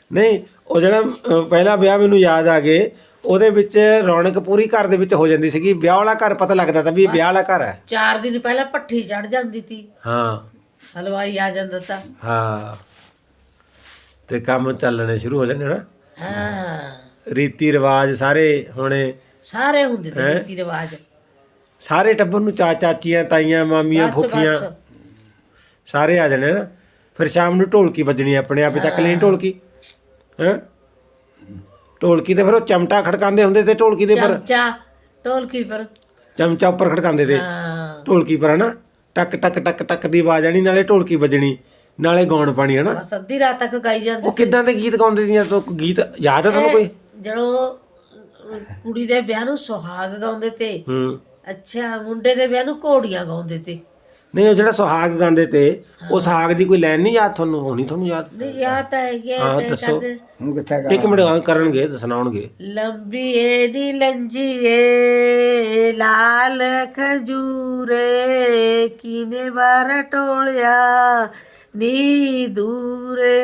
[SPEAKER 2] ਨਹੀਂ ਉਹ ਜਿਹੜਾ ਪਹਿਲਾ ਵਿਆਹ ਮੈਨੂੰ ਯਾਦ ਆ ਗਏ, ਉਹਦੇ ਵਿੱਚ ਰੌਣਕ ਪੂਰੀ ਘਰ ਦੇ ਵਿੱਚ ਹੋ ਜਾਂਦੀ ਸੀਗੀ। ਵਿਆਹ ਵਾਲਾ ਘਰ ਪਤਾ ਲੱਗਦਾ ਤਾਂ ਵੀ ਇਹ ਵਿਆਹ ਵਾਲਾ ਘਰ ਹੈ।
[SPEAKER 1] 4 ਦਿਨ ਪਹਿਲਾਂ ਭੱਠੀ ਚੜ ਜਾਂਦੀ ਤੀ,
[SPEAKER 2] ਹਾਂ
[SPEAKER 1] ਹਲਵਾਈ ਆ ਜਾਂਦਾ ਤਾਂ।
[SPEAKER 2] ਹਾਂ, ਤੇ ਕੰਮ ਚੱਲਣੇ ਸ਼ੁਰੂ ਹੋ ਜਾਂਦੇ ਨਾ।
[SPEAKER 1] ਹਾਂ,
[SPEAKER 2] ਰੀਤੀ ਰਿਵਾਜ ਸਾਰੇ ਹੋਣੇ,
[SPEAKER 1] ਸਾਰੇ ਹੁੰਦੇ ਤੇ ਰੀਤੀ ਰਿਵਾਜ।
[SPEAKER 2] ਸਾਰੇ ਟੱਬਰ ਨੂੰ ਚਾਚੀਆਂ, ਤਾਈਆਂ, ਮਾਮੀਆਂ,
[SPEAKER 1] ਬਸ
[SPEAKER 2] ਫੁੱਫੀਆਂ
[SPEAKER 1] ਬਸ
[SPEAKER 2] ਸਾਰੇ ਆ ਜਾਣੇ ਨਾ। ਫਿਰ ਸ਼ਾਮ ਨੂੰ ਢੋਲਕੀ ਵੱਜਣੀ, ਆਪਣੇ ਆਪੇ ਚੱਕ ਲੈਣੀ ਢੋਲਕੀ। ਹੈਂ, ਢੋਲਕੀ ਤੇ ਫਿਰ ਉਹ ਚਮਟਾ ਖੜਕਾਉਂਦੇ ਹੁੰਦੇ ਤੇ ਢੋਲਕੀ ਦੇ ਪਰ
[SPEAKER 1] ਚਮਚਾ ਢੋਲਕੀ ਪਰ।
[SPEAKER 2] ਚਮਚਾ ਉੱਪਰ ਖੜਕਾਉਂਦੇ ਤੇ
[SPEAKER 1] ਹਾਂ,
[SPEAKER 2] ਢੋਲਕੀ ਪਰ, ਹਨਾ। ਟਕ ਟਕ ਟਕ ਟਕ ਦੀ ਆਵਾਜ਼ ਆਣੀ, ਨਾਲੇ ਢੋਲਕੀ ਵੱਜਣੀ, ਨਾਲੇ ਗਾਉਣ ਪਾਣੀ, ਹਨਾ।
[SPEAKER 1] ਬਸ ਅੱਧੀ ਰਾਤ ਤੱਕ ਗਾਈ ਜਾਂਦੇ।
[SPEAKER 2] ਉਹ ਕਿੱਦਾਂ ਦੇ ਗੀਤ ਗਾਉਂਦੇ ਸੀ? ਤੋ ਗੀਤ ਯਾਦ ਆ ਤੁਹਾਨੂੰ ਕੋਈ?
[SPEAKER 1] ਜਦੋਂ ਕੁੜੀ ਦੇ ਵਿਆਹ ਨੂੰ ਸੁਹਾਗ ਗਾਉਂਦੇ ਤੇ,
[SPEAKER 2] ਹੂੰ।
[SPEAKER 1] ਅੱਛਾ, ਮੁੰਡੇ ਦੇ ਵਿਆਹ ਨੂੰ ਘੋੜੀਆਂ ਗਾਉਂਦੇ ਤੇ।
[SPEAKER 2] ਨਹੀਂ, ਉਹ ਜਿਹੜਾ ਸੁਹਾਗ ਗਾਉਂਦੇ ਤੇ, ਉਹ ਸੁਹਾਗ ਦੀ ਕੋਈ ਲਾਈਨ ਨਹੀਂ ਯਾਦ ਤੁਹਾਨੂੰ? ਹੋਣੀ ਤੁਹਾਨੂੰ ਯਾਦ?
[SPEAKER 1] ਨਹੀਂ ਯਾਦ ਤਾਂ ਹੈਗੀ
[SPEAKER 2] ਹਾਂ,
[SPEAKER 1] ਤੇ
[SPEAKER 2] ਦੱਸੋ।
[SPEAKER 1] ਕਰਦੇ।
[SPEAKER 3] ਹੁਣ ਕਿੱਥੇ ਗਾ
[SPEAKER 2] ਇੱਕ ਮਿੰਟ ਕਰਨਗੇ ਤੇ ਸੁਣਾਉਣਗੇ।
[SPEAKER 1] ਲੰਬੀ ਏ ਨੀ ਲੰਜੀਏ ਲਾਲ ਖਜੂਰੇ ਕਿਨੇ ਬਾਰ ਟੋਲਿਆ ਨੀ ਦੂਰੇ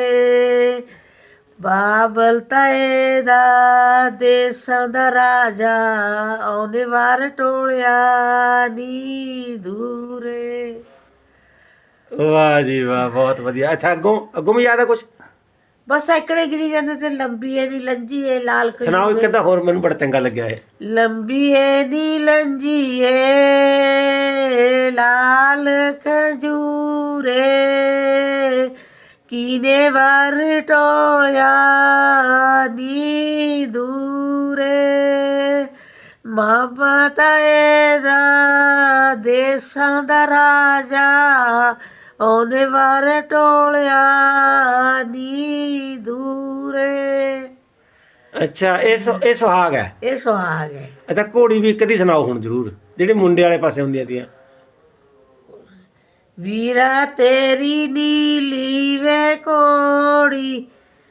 [SPEAKER 1] ਬਾਬਲ ਤਾਏ ਦਾ ਦੇਸਾਂ ਦਾ ਰਾਜਾ ਉਹਨੇ ਵਾਰ ਟੋਲਿਆ ਨੀ ਦੂਰੇ।
[SPEAKER 2] ਵਾਹ ਜੀ ਵਾਹ, ਬਹੁਤ ਵਧੀਆ। ਅੱਛਾ, ਅੱਗੋਂ ਵੀ ਯਾਦ ਆ ਕੁਛ?
[SPEAKER 1] ਬਸ ਐਕੜੇ ਗਿਣੀ ਜਾਂਦੇ ਤੇ ਲੰਬੀ ਏ ਨੀ ਲੰਜੀ ਏ ਲਾਲ
[SPEAKER 2] ਸੁਣਾਓ ਇੱਕ ਅੱਧਾ ਹੋਰ, ਮੈਨੂੰ ਬੜਾ ਚੰਗਾ ਲੱਗਿਆ ਇਹ।
[SPEAKER 1] ਲੰਬੀ ਏ ਨੀ ਲੰਜੀ ਏ ਲਾਲ ਖਜੂਰੇ ਕੀਨੇ ਵਾਰ ਟੋਲਿਆ ਨੀ ਦੂਰੇ ਮਾਮਾ ਤਾਏ ਦਾ ਦੇਸਾਂ ਦਾ ਰਾਜਾ ਉਹਨੇ ਵਾਰ ਟੋਲਿਆ ਨੀ ਦੂਰੇ।
[SPEAKER 2] ਅੱਛਾ, ਇਹ ਸੁਹਾਗ ਹੈ।
[SPEAKER 1] ਇਹ ਸੁਹਾਗ ਹੈ।
[SPEAKER 2] ਅੱਛਾ, ਘੋੜੀ ਵੀ ਇੱਕ ਦੀ ਸੁਣਾਓ ਹੁਣ ਜ਼ਰੂਰ, ਜਿਹੜੀ ਮੁੰਡੇ ਵਾਲੇ ਪਾਸੇ ਹੁੰਦੀਆਂ ਤੀਆਂ।
[SPEAKER 1] ਵੀਰਾ ਤੇਰੀ ਨੀਲੀ ਵੇ ਕੋੜੀ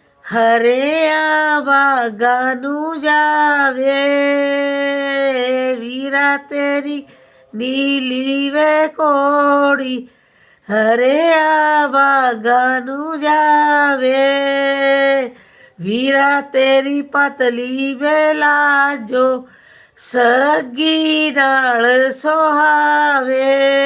[SPEAKER 1] ਹਰਿਆ ਬਾਗਾਂ ਨੂੰ ਜਾਵੇ ਵੀਰਾ ਤੇਰੀ ਨੀਲੀ ਵੇ ਕੋੜੀ ਹਰਿਆ ਬਾਗਾਂ ਨੂੰ ਜਾਵੇ ਵੀਰਾ ਤੇਰੀ ਪਤਲੀ ਵੇ ਲਾਜੋ ਸੱਗੀ ਨਾਲ ਸੁਹਾਵੇ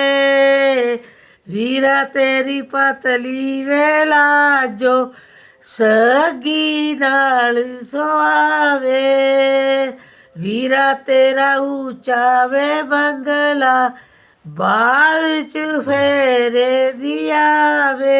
[SPEAKER 1] ਵੀਰਾ ਤੇਰੀ ਪਤਲੀ ਵੇ ਲਾਜੋ ਸੱਗੀ ਨਾਲ ਸੁਹਾਵੇ ਵੀਰਾ ਤੇਰਾ ਉੱਚਾ ਵੇ ਬੰਗਲਾ ਬਾਲ ਚ ਫੇਰੇ ਦਿਆਵੇ।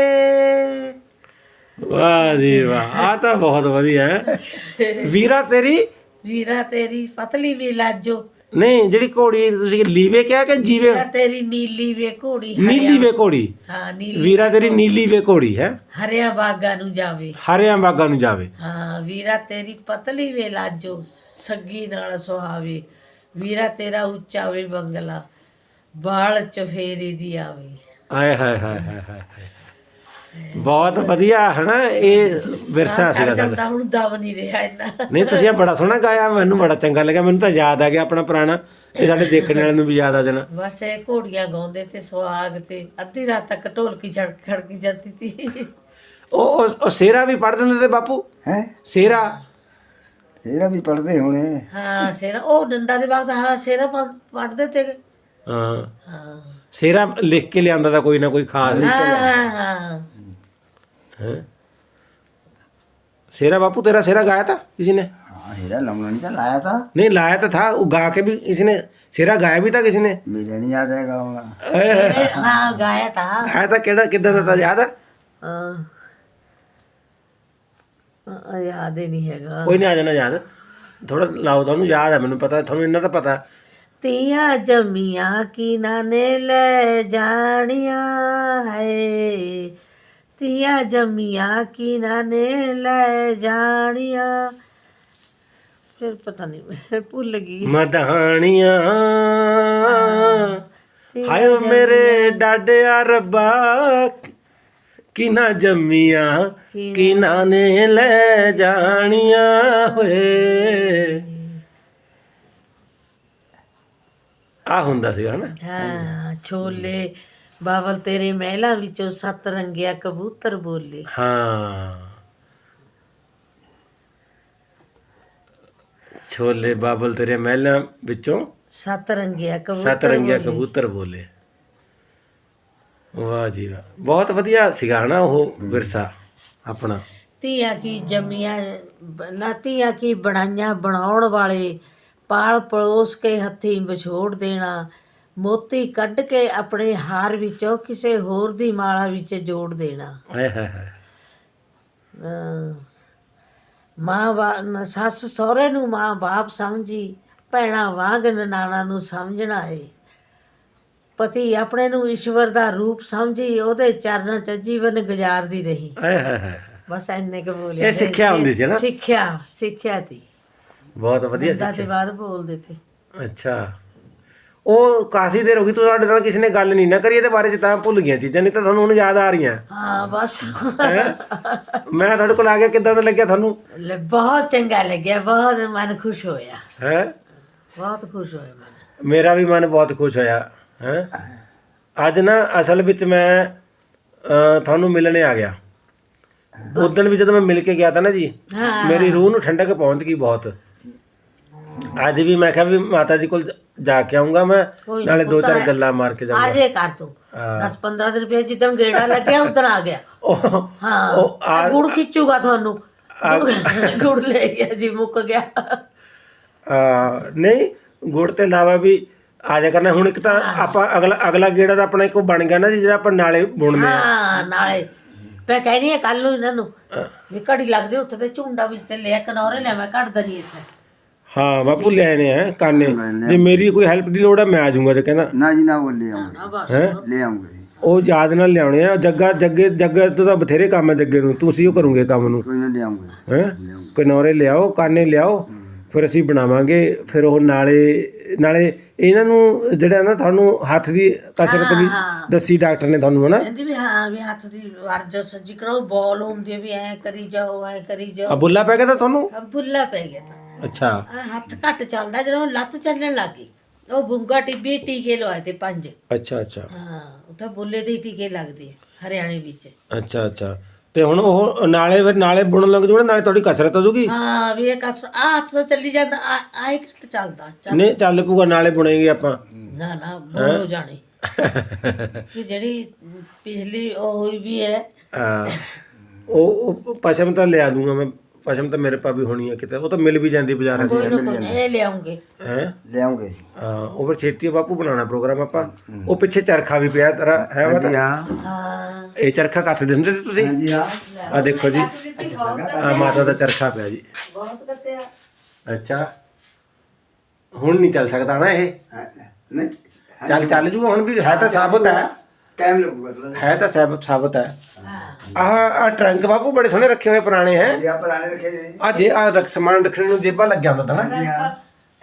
[SPEAKER 2] ਵਾਹ ਜੀ ਵਾਹ, ਆ ਤਾਂ ਬਹੁਤ ਵਧੀਆ ਹੈ। ਵੀਰਾ ਤੇਰੀ
[SPEAKER 1] ਪਤਲੀ ਵੀ ਲਾਜੋ।
[SPEAKER 2] ਨਹੀਂ, ਜਿਹੜੀ ਘੋੜੀ ਤੁਸੀਂ ਲੀਵੇ ਕਿਹਾ ਕਿ ਜੀਵੇ?
[SPEAKER 1] ਵੀਰਾ ਤੇਰੀ ਨੀਲੀ ਵੇ ਘੋੜੀ
[SPEAKER 2] ਨੀਲੀ ਵੇ ਘੋੜੀ।
[SPEAKER 1] ਹਾਂ, ਨੀਲੀ
[SPEAKER 2] ਵੀਰਾ ਤੇਰੀ ਨੀਲੀ ਵੇ ਘੋੜੀ ਹੈ
[SPEAKER 1] ਹਰਿਆ ਬਾਗਾਂ ਨੂੰ ਜਾਵੇ।
[SPEAKER 2] ਹਰਿਆਂ ਬਾਗਾਂ ਨੂੰ ਜਾਵੇ।
[SPEAKER 1] ਹਾਂ, ਵੀਰਾ ਤੇਰੀ ਪਤਲੀ ਵੇ ਲਾਜੋ ਸੱਗੀ ਨਾਲ ਸੁਹਾਵੇ ਵੀਰਾ ਤੇਰਾ ਉੱਚਾ ਵੇ ਬੰਗਲਾ ਬਾਲ ਚਫੇਰੀ ਦੀ ਆਵੇ।
[SPEAKER 2] ਆਏ ਹਾਏ ਹਾਏ ਹਾਏ ਹਾਏ, ਬਹੁਤ ਵਧੀਆ ਹੈ ਨਾ। ਇਹ ਵਿਰਸਾ ਸੀਗਾ ਸਾਡਾ।
[SPEAKER 1] ਤਾਂ ਹੁਣ ਦਮ ਨਹੀਂ ਰਿਹਾ ਇੰਨਾ।
[SPEAKER 2] ਨਹੀਂ, ਤੁਸੀਂ ਇਹ ਬੜਾ ਸੋਹਣਾ ਗਾਇਆ, ਮੈਨੂੰ ਬੜਾ ਚੰਗਾ ਲੱਗਿਆ। ਮੈਨੂੰ ਤਾਂ ਯਾਦ ਆ ਗਿਆ ਆਪਣਾ ਪੁਰਾਣਾ, ਇਹ ਸਾਡੇ ਦੇਖਣ ਵਾਲਿਆਂ ਨੂੰ ਵੀ ਯਾਦ ਆ ਜਾਣਾ।
[SPEAKER 1] ਬਸ ਇਹ ਘੋੜੀਆਂ ਗਾਉਂਦੇ ਤੇ ਸੁਹਾਗ ਤੇ ਅੱਧੀ ਰਾਤ ਤੱਕ ਢੋਲਕੀ ਖੜਕੀ ਜਾਂਦੀ ਸੀ।
[SPEAKER 2] ਉਹ ਸਿਹਰਾ ਵੀ ਪੜ੍ਹ ਦਿੰਦੇ ਤੇ ਬਾਪੂ?
[SPEAKER 3] ਹੈ
[SPEAKER 2] ਸਿਹਰਾ
[SPEAKER 3] ਇਹਦਾ ਵੀ ਪੜਦੇ ਹੋਣੇ।
[SPEAKER 1] ਹਾਂ, ਸੇਰਾ ਉਹ ਡੰਡਾ ਦੇ ਬਾਅਦ ਹਾਂ ਸੇਰਾ ਪੜਦੇ ਤੇ।
[SPEAKER 2] ਹਾਂ,
[SPEAKER 1] ਹਾਂ
[SPEAKER 2] ਸਿਹਰਾ ਲਿਖ ਕੇ ਲਿਆਂਦਾ ਤਾਂ ਕੋਈ ਨਾ ਕੋਈ ਖਾਸ।
[SPEAKER 1] ਹਾਂ
[SPEAKER 2] ਸਿਹਰਾ ਬਾਪੂ, ਤੇਰਾ ਸਿਹਰਾ ਗਾਇਆ ਤਾਂ ਕਿਸੇ ਨੇ?
[SPEAKER 3] ਹਾਂ, ਇਹਦਾ ਲਾਉਣਾ ਨਹੀਂ ਤਾਂ ਲਾਇਆ ਤਾਂ
[SPEAKER 2] ਨਹੀਂ, ਲਾਇਆ ਤਾਂ ਥਾ, ਉਹ ਗਾ ਕੇ ਵੀ ਕਿਸੇ ਨੇ ਸਿਹਰਾ ਗਾਇਆ ਵੀ ਤਾਂ ਕਿਸੇ ਨੇ?
[SPEAKER 3] ਮੇਰੇ ਨਹੀਂ ਯਾਦ ਹੈਗਾ ਹੁਣ।
[SPEAKER 1] ਹਾਂ ਗਾਇਆ ਤਾਂ।
[SPEAKER 2] ਗਾਇਆ ਤਾਂ ਕਿਹੜਾ, ਕਿੱਦਾਂ ਦਾ ਤਾਂ ਯਾਦ ਆ?
[SPEAKER 1] ਯਾਦ ਹੀ ਨਹੀਂ ਹੈਗਾ।
[SPEAKER 2] ਕੋਈ ਨਹੀਂ, ਆ ਜਾਣਾ ਯਾਦ। ਥੋੜਾ ਲਾਓ, ਤੁਹਾਨੂੰ ਯਾਦ ਆ, ਮੈਨੂੰ ਪਤਾ, ਤੁਹਾਨੂੰ ਇੰਨਾ ਤਾਂ ਪਤਾ।
[SPEAKER 1] ਤੀਆਂ ਜੰਮੀਆਂ ਕਿਨਾਂ ਨੇ ਲੈ ਜਾਣੀਆਂ ਹੈ ਤੀਆਂ ਜੰਮੀਆਂ ਕਿਨਾਂ ਨੇ ਲੈ ਜਾਣੀਆਂ। ਫਿਰ ਪਤਾ ਨਹੀਂ, ਮੈਂ ਭੁੱਲ ਗਈ।
[SPEAKER 2] ਮਧਾਣੀਆਂ ਹਾਏ ਮੇਰੇ ਡਾਡਿਆ ਰੱਬਾ ਕਿਨਾਂ ਜੰਮੀਆਂ ਕਿਨਾਂ ਨੇ ਲੈ ਜਾਣੀਆਂ ਹੋਏ। ਆ ਹੁੰਦਾ ਸੀ ਹਨਾ।
[SPEAKER 1] ਹਾਂ, ਛੋਲੇ ਬਾਬਲ ਤੇਰੇ ਮਹਿਲਾਂ ਵਿੱਚੋਂ 7 ਰੰਗਿਆ ਕਬੂਤਰ ਬੋਲੇ।
[SPEAKER 2] ਹਾਂ, ਛੋਲੇ ਬਾਬਲ ਤੇਰੇ ਮਹਿਲਾਂ ਵਿੱਚੋਂ
[SPEAKER 1] ਸੱਤ ਰੰਗਿਆ
[SPEAKER 2] ਸੱਤ ਰੰਗਿਆ ਕਬੂਤਰ ਬੋਲੇ। ਵਾਹ ਜੀ ਵਾਹ, ਬਹੁਤ ਵਧੀਆ ਸੀਗਾ ਹਨਾ ਉਹ ਵਿਰਸਾ ਆਪਣਾ।
[SPEAKER 1] ਧੀਆਂ ਕੀ ਜੰਮੀਆਂ ਨਾ ਧੀਆਂ ਕੀ ਬਣਾਈਆਂ ਬਣਾਉਣ ਵਾਲੇ, ਪਾਲ ਪਲੋਸ ਕੇ ਹੱਥੀਂ ਵਿਛੋੜ ਦੇਣਾ, ਮੋਤੀ ਕੱਢ ਕੇ ਆਪਣੇ ਹਾਰ ਵਿੱਚੋਂ ਕਿਸੇ ਹੋਰ ਦੀ ਮਾਲਾ ਵਿੱਚ ਜੋੜ ਦੇਣਾ।
[SPEAKER 2] ਹਾਏ ਹਾਏ ਹਾਏ।
[SPEAKER 1] ਸੱਸ ਸਹੁਰੇ ਨੂੰ ਮਾਂ ਬਾਪ ਸਮਝੀ, ਭੈਣਾਂ ਵਾਂਗ ਨਨਾਣਾ ਨੂੰ ਸਮਝਣਾ ਏ, ਪਤੀ ਆਪਣੇ ਨੂੰ ਈਸ਼ਵਰ ਦਾ ਰੂਪ ਸਮਝੀ, ਉਹਦੇ ਚਰਨਾਂ 'ਚ ਜੀਵਨ ਗੁਜ਼ਾਰਦੀ ਰਹੀ।
[SPEAKER 2] ਹਾਏ ਹਾਏ ਹਾਏ।
[SPEAKER 1] ਬਸ ਇੰਨੇ ਕੁ ਬੋਲਿਆ।
[SPEAKER 2] ਇਹ ਸਿੱਖਿਆ ਹੁੰਦੀ ਸੀ ਨਾ?
[SPEAKER 1] ਸਿੱਖਿਆ ਤੀ।
[SPEAKER 2] ਬਹੁਤ ਵਧੀਆ
[SPEAKER 1] ਦੰਦਾਂ ਤੇ ਬਾਅਦ ਬੋਲਦੇ ਤੇ।
[SPEAKER 2] ਅੱਛਾ, ਉਹ ਕਾਫੀ ਦੇਰ ਹੋ ਗਈ ਤੂੰ ਸਾਡੇ ਨਾਲ ਕਿਸੇ ਨੇ ਗੱਲ ਨਹੀਂ ਨਾ ਕਰੀ ਇਹਦੇ ਬਾਰੇ ਚ, ਤਾਂ ਭੁੱਲ ਗਈਆਂ ਚੀਜ਼ਾਂ, ਨਹੀਂ ਤਾਂ ਤੁਹਾਨੂੰ ਹੁਣ ਯਾਦ ਆ ਰਹੀਆਂ।
[SPEAKER 1] ਹਾਂ ਬਸ
[SPEAKER 2] ਹੈਂ? ਮੈਂ ਤੁਹਾਡੇ ਕੋਲ ਆ ਗਿਆ, ਕਿੱਦਾਂ ਦਾ ਲੱਗਿਆ ਤੁਹਾਨੂੰ?
[SPEAKER 1] ਬਹੁਤ ਚੰਗਾ ਲੱਗਿਆ, ਬਹੁਤ ਮਨ ਖੁਸ਼ ਹੋਇਆ,
[SPEAKER 2] ਹੈ
[SPEAKER 1] ਬਹੁਤ ਖੁਸ਼ ਹੋਇਆ ਮਨ।
[SPEAKER 2] ਮੇਰਾ ਵੀ ਮਨ ਬਹੁਤ ਖੁਸ਼ ਹੋਇਆ। ਹੈ ਅੱਜ ਨਾ ਅਸਲ ਵਿੱਚ ਮੈਂ ਤੁਹਾਨੂੰ ਮਿਲਣੇ ਆ ਗਿਆ। ਉਦੋਂ ਵੀ ਜਦੋਂ ਮੈਂ ਮਿਲ ਕੇ ਗਿਆ ਤਾਂ ਨਾ ਜੀ, ਮੇਰੀ ਰੂਹ ਨੂੰ ਠੰਡਕ ਪਹੁੰਚ ਗਈ ਬਹੁਤ। ਅੱਜ ਵੀ ਮੈਂ ਕਿਹਾ ਵੀ ਮਾਤਾ ਜੀ ਕੋਲ ਜਾ ਕੇ ਆਉਂਗਾ ਮੈਂ, ਨਾਲੇ ਦੋ ਚਾਰ ਗੱਲਾਂ ਮਾਰ ਕੇ ਜਾਊਂਗਾ।
[SPEAKER 1] ਆਜੇ ਕਰ ਤੂੰ 10-15 ਦਿਨ ਪਿਆ, ਜਿੱਦਣ ਗੇੜਾ ਲੱਗਿਆ ਉਦੋਂ ਆ ਗਿਆ। ਹਾਂ ਗੁੜ ਖਿੱਚੂਗਾ ਤੁਹਾਨੂੰ, ਗੁੜ ਲੈ ਗਿਆ ਜੀ, ਮੁੱਕ ਗਿਆ।
[SPEAKER 2] ਨਹੀਂ ਗੁੜ ਤੇ ਇਲਾਵਾ ਵੀ ਆ ਜਾ ਕਰਨਾ। ਹੁਣ ਇੱਕ ਤਾਂ ਆਪਾਂ ਅਗਲਾ ਗੇੜਾ ਤਾਂ ਆਪਣਾ ਇੱਕ ਬਣ ਗਿਆ ਨਾ ਜੀ, ਜਿਹੜਾ ਆਪਾਂ ਨਾਲੇ ਬੁਣਦੇ ਆ।
[SPEAKER 1] ਹਾਂ ਨਾਲੇ ਮੈਂ ਕਹਿਨੀ ਆ ਕੱਲ ਨੂੰ ਇਹਨਾਂ ਨੂੰ ਵੀ ਘੜੀ ਲੱਗਦੇ ਉੱਥੇ ਤੇ ਝੁੰਡਾ ਵਿੱਚ ਤੇ ਲਿਆ ਕਨੌਰੇ ਲਿਆ, ਮੈਂ ਕੱਢ ਦਣੀ ਇੱਥੇ।
[SPEAKER 2] ਹਾਂ ਬਾਪੂ ਲੈਣੇ ਆ ਕਾਨੇ, ਜੇ ਮੇਰੀ ਕੋਈ ਹੈਲਪ ਦੀ ਲੋੜ ਆ ਮੈਂ ਆ ਜਾਊਂਗਾ। ਜੇ ਕਹਿੰਦਾ
[SPEAKER 3] ਨਾ ਜੀ ਨਾ, ਉਹ ਲੈ ਆਉਂਗੇ, ਲੈ ਆਉਂਗੇ ਜੀ।
[SPEAKER 2] ਉਹ ਯਾਦ ਨਾਲ ਲਿਆਉਣੇ ਆ। ਜੱਗੇ ਤੋਂ ਤਾਂ ਬਥੇਰੇ ਕੰਮ ਹੈ ਜੱਗੇ ਨੂੰ, ਤੁਸੀਂ ਉਹ ਕਰੋਗੇ ਕੰਮ ਨੂੰ।
[SPEAKER 3] ਕੋਈ ਨਾ ਲੈ ਆਉਂਗੇ।
[SPEAKER 2] ਹੈ ਕਨੌਰੇ ਲਿਆਓ, ਕਾਨੇ ਲਿਆਓ, ਫਿਰ ਅਸੀਂ ਬਣਾਵਾਂਗੇ। ਫਿਰ ਉਹ ਨਾਲੇ ਇਹਨਾਂ ਨੂੰ ਜਿਹੜਾ ਨਾ ਤੁਹਾਨੂੰ ਹੱਥ ਦੀ ਕਸਰਤ ਵੀ ਦੱਸੀ ਡਾਕਟਰ ਨੇ ਤੁਹਾਨੂੰ, ਹਨਾ?
[SPEAKER 1] ਕਹਿੰਦੀ ਵੀ ਹਾਂ ਵੀ ਹੱਥ ਦੀ ਵਰਜਸ ਜਿਕਰੋ ਬੋਲ ਹੁੰਦੀ ਹੈ ਵੀ ਐ ਕਰੀ ਜਾਓ, ਐ ਕਰੀ
[SPEAKER 2] ਆ
[SPEAKER 1] ਜਾਓ।
[SPEAKER 2] ਬੁੱਲਾ ਪੈ ਗਿਆ ਤਾਂ ਤੁਹਾਨੂੰ?
[SPEAKER 1] ਬੁੱਲਾ ਪੈ ਗਿਆ ਤਾਂ।
[SPEAKER 2] ਅੱਛਾ,
[SPEAKER 1] ਹੱਥ ਘੱਟ ਚੱਲਦਾ, ਜਦੋਂ ਲੱਤ ਚੱਲਣ ਲੱਗ ਗਈ ਉਹ ਬੁੰਗਾ ਟਿੱਬੀ ਟੀਕੇ ਲਵਾਏ ਤੇ 5।
[SPEAKER 2] ਅੱਛਾ ਅੱਛਾ।
[SPEAKER 1] ਹਾਂ ਉੱਥੇ ਬੁੱਲੇ ਦੇ ਟੀਕੇ ਲੱਗਦੇ ਆ ਹਰਿਆਣੇ ਵਿੱਚ।
[SPEAKER 2] ਅੱਛਾ ਅੱਛਾ। ਤੇ ਹੁਣ ਉਹ ਨਾਲੇ ਬੁਣਨ ਲੱਗ ਜੂਗਾ, ਨਾਲੇ ਤੁਹਾਡੀ ਕਸਰਤ ਹੋ ਜੂਗੀ।
[SPEAKER 1] ਹਾਂ ਵੀ ਇਹ ਕਸ ਹੱਥ ਤਾਂ ਚੱਲੀ ਜਾਂਦਾ, ਆਏ ਘੱਟ ਚੱਲਦਾ।
[SPEAKER 2] ਨਹੀਂ ਚੱਲ ਪੂਗਾ, ਨਾਲੇ ਬੁਣੇਗੇ ਆਪਾਂ।
[SPEAKER 1] ਨਾ ਬੋਲ ਹੋ ਜਾਣੀ ਕਿ ਜਿਹੜੀ ਪਿਛਲੀ ਉਹ ਹੋਈ ਵੀ ਹੈ।
[SPEAKER 2] ਉਹ ਪਸ਼ਮ ਤਾਂ ਲਿਆ ਦੂੰਗਾ ਮੈਂ, ਪਸ਼ਮ ਤਾਂ ਮੇਰੇ ਪਾ ਵੀ ਹੋਣੀ ਹੈ ਕਿਤੇ, ਉਹ ਤਾਂ ਮਿਲ ਵੀ ਜਾਂਦੀ ਬਾਜ਼ਾਰਾਂ 'ਚ।
[SPEAKER 1] ਇਹ ਲਿਆਉਂਗੇ
[SPEAKER 2] ਹੈ
[SPEAKER 3] ਲਿਆਉਂਗੇ।
[SPEAKER 2] ਹਾਂ ਉਹ ਫਿਰ ਛੇਤੀ ਬਾਪੂ ਬਣਾਉਣਾ ਪ੍ਰੋਗਰਾਮ ਆਪਾਂ। ਉਹ ਪਿੱਛੇ ਚਰਖਾ ਵੀ ਪਿਆ ਤੇਰਾ, ਹੈ ਵਾ?
[SPEAKER 3] ਹਾਂ
[SPEAKER 2] ਇਹ ਚਰਖਾ ਕੱਤ ਦਿੰਦੇ ਤੇ ਤੁਸੀਂ?
[SPEAKER 3] ਹਾਂਜੀ ਹਾਂ।
[SPEAKER 2] ਆ ਦੇਖੋ ਜੀ, ਆ ਮਾਤਾ ਦਾ ਚਰਖਾ ਪਿਆ ਜੀ।
[SPEAKER 1] ਬਹੁਤ ਕੱਟਿਆ।
[SPEAKER 2] ਅੱਛਾ, ਹੁਣ ਨਹੀਂ ਚੱਲ ਸਕਦਾ ਨਾ ਇਹ?
[SPEAKER 3] ਨਹੀਂ
[SPEAKER 2] ਚੱਲ ਜੂਗਾ ਹੁਣ ਵੀ, ਹੈ ਤਾਂ ਸਾਬਤ ਹੈ।
[SPEAKER 3] ਟਾਈਮ ਲੱਗੂਗਾ ਥੋੜਾ,
[SPEAKER 2] ਹੈ ਤਾਂ ਸਾਬਤ ਹੈ। ਆਹ ਟਰੰਕ ਬਾਪੂ ਬੜੇ ਸੋਹਣੇ ਰੱਖੇ ਹੋਏ ਪੁਰਾਣੇ ਹੈ।
[SPEAKER 3] ਜੀ ਆ ਪੁਰਾਣੇ ਰੱਖੇ ਨੇ।
[SPEAKER 2] ਆ ਜੇ ਆ ਸਮਾਨ ਰੱਖਣ ਨੂੰ ਜੇਬਾਂ ਲੱਗਿਆ ਹੁੰਦਾ ਤਾਂ ਨਾ।
[SPEAKER 3] ਜੀ ਹਾਂ।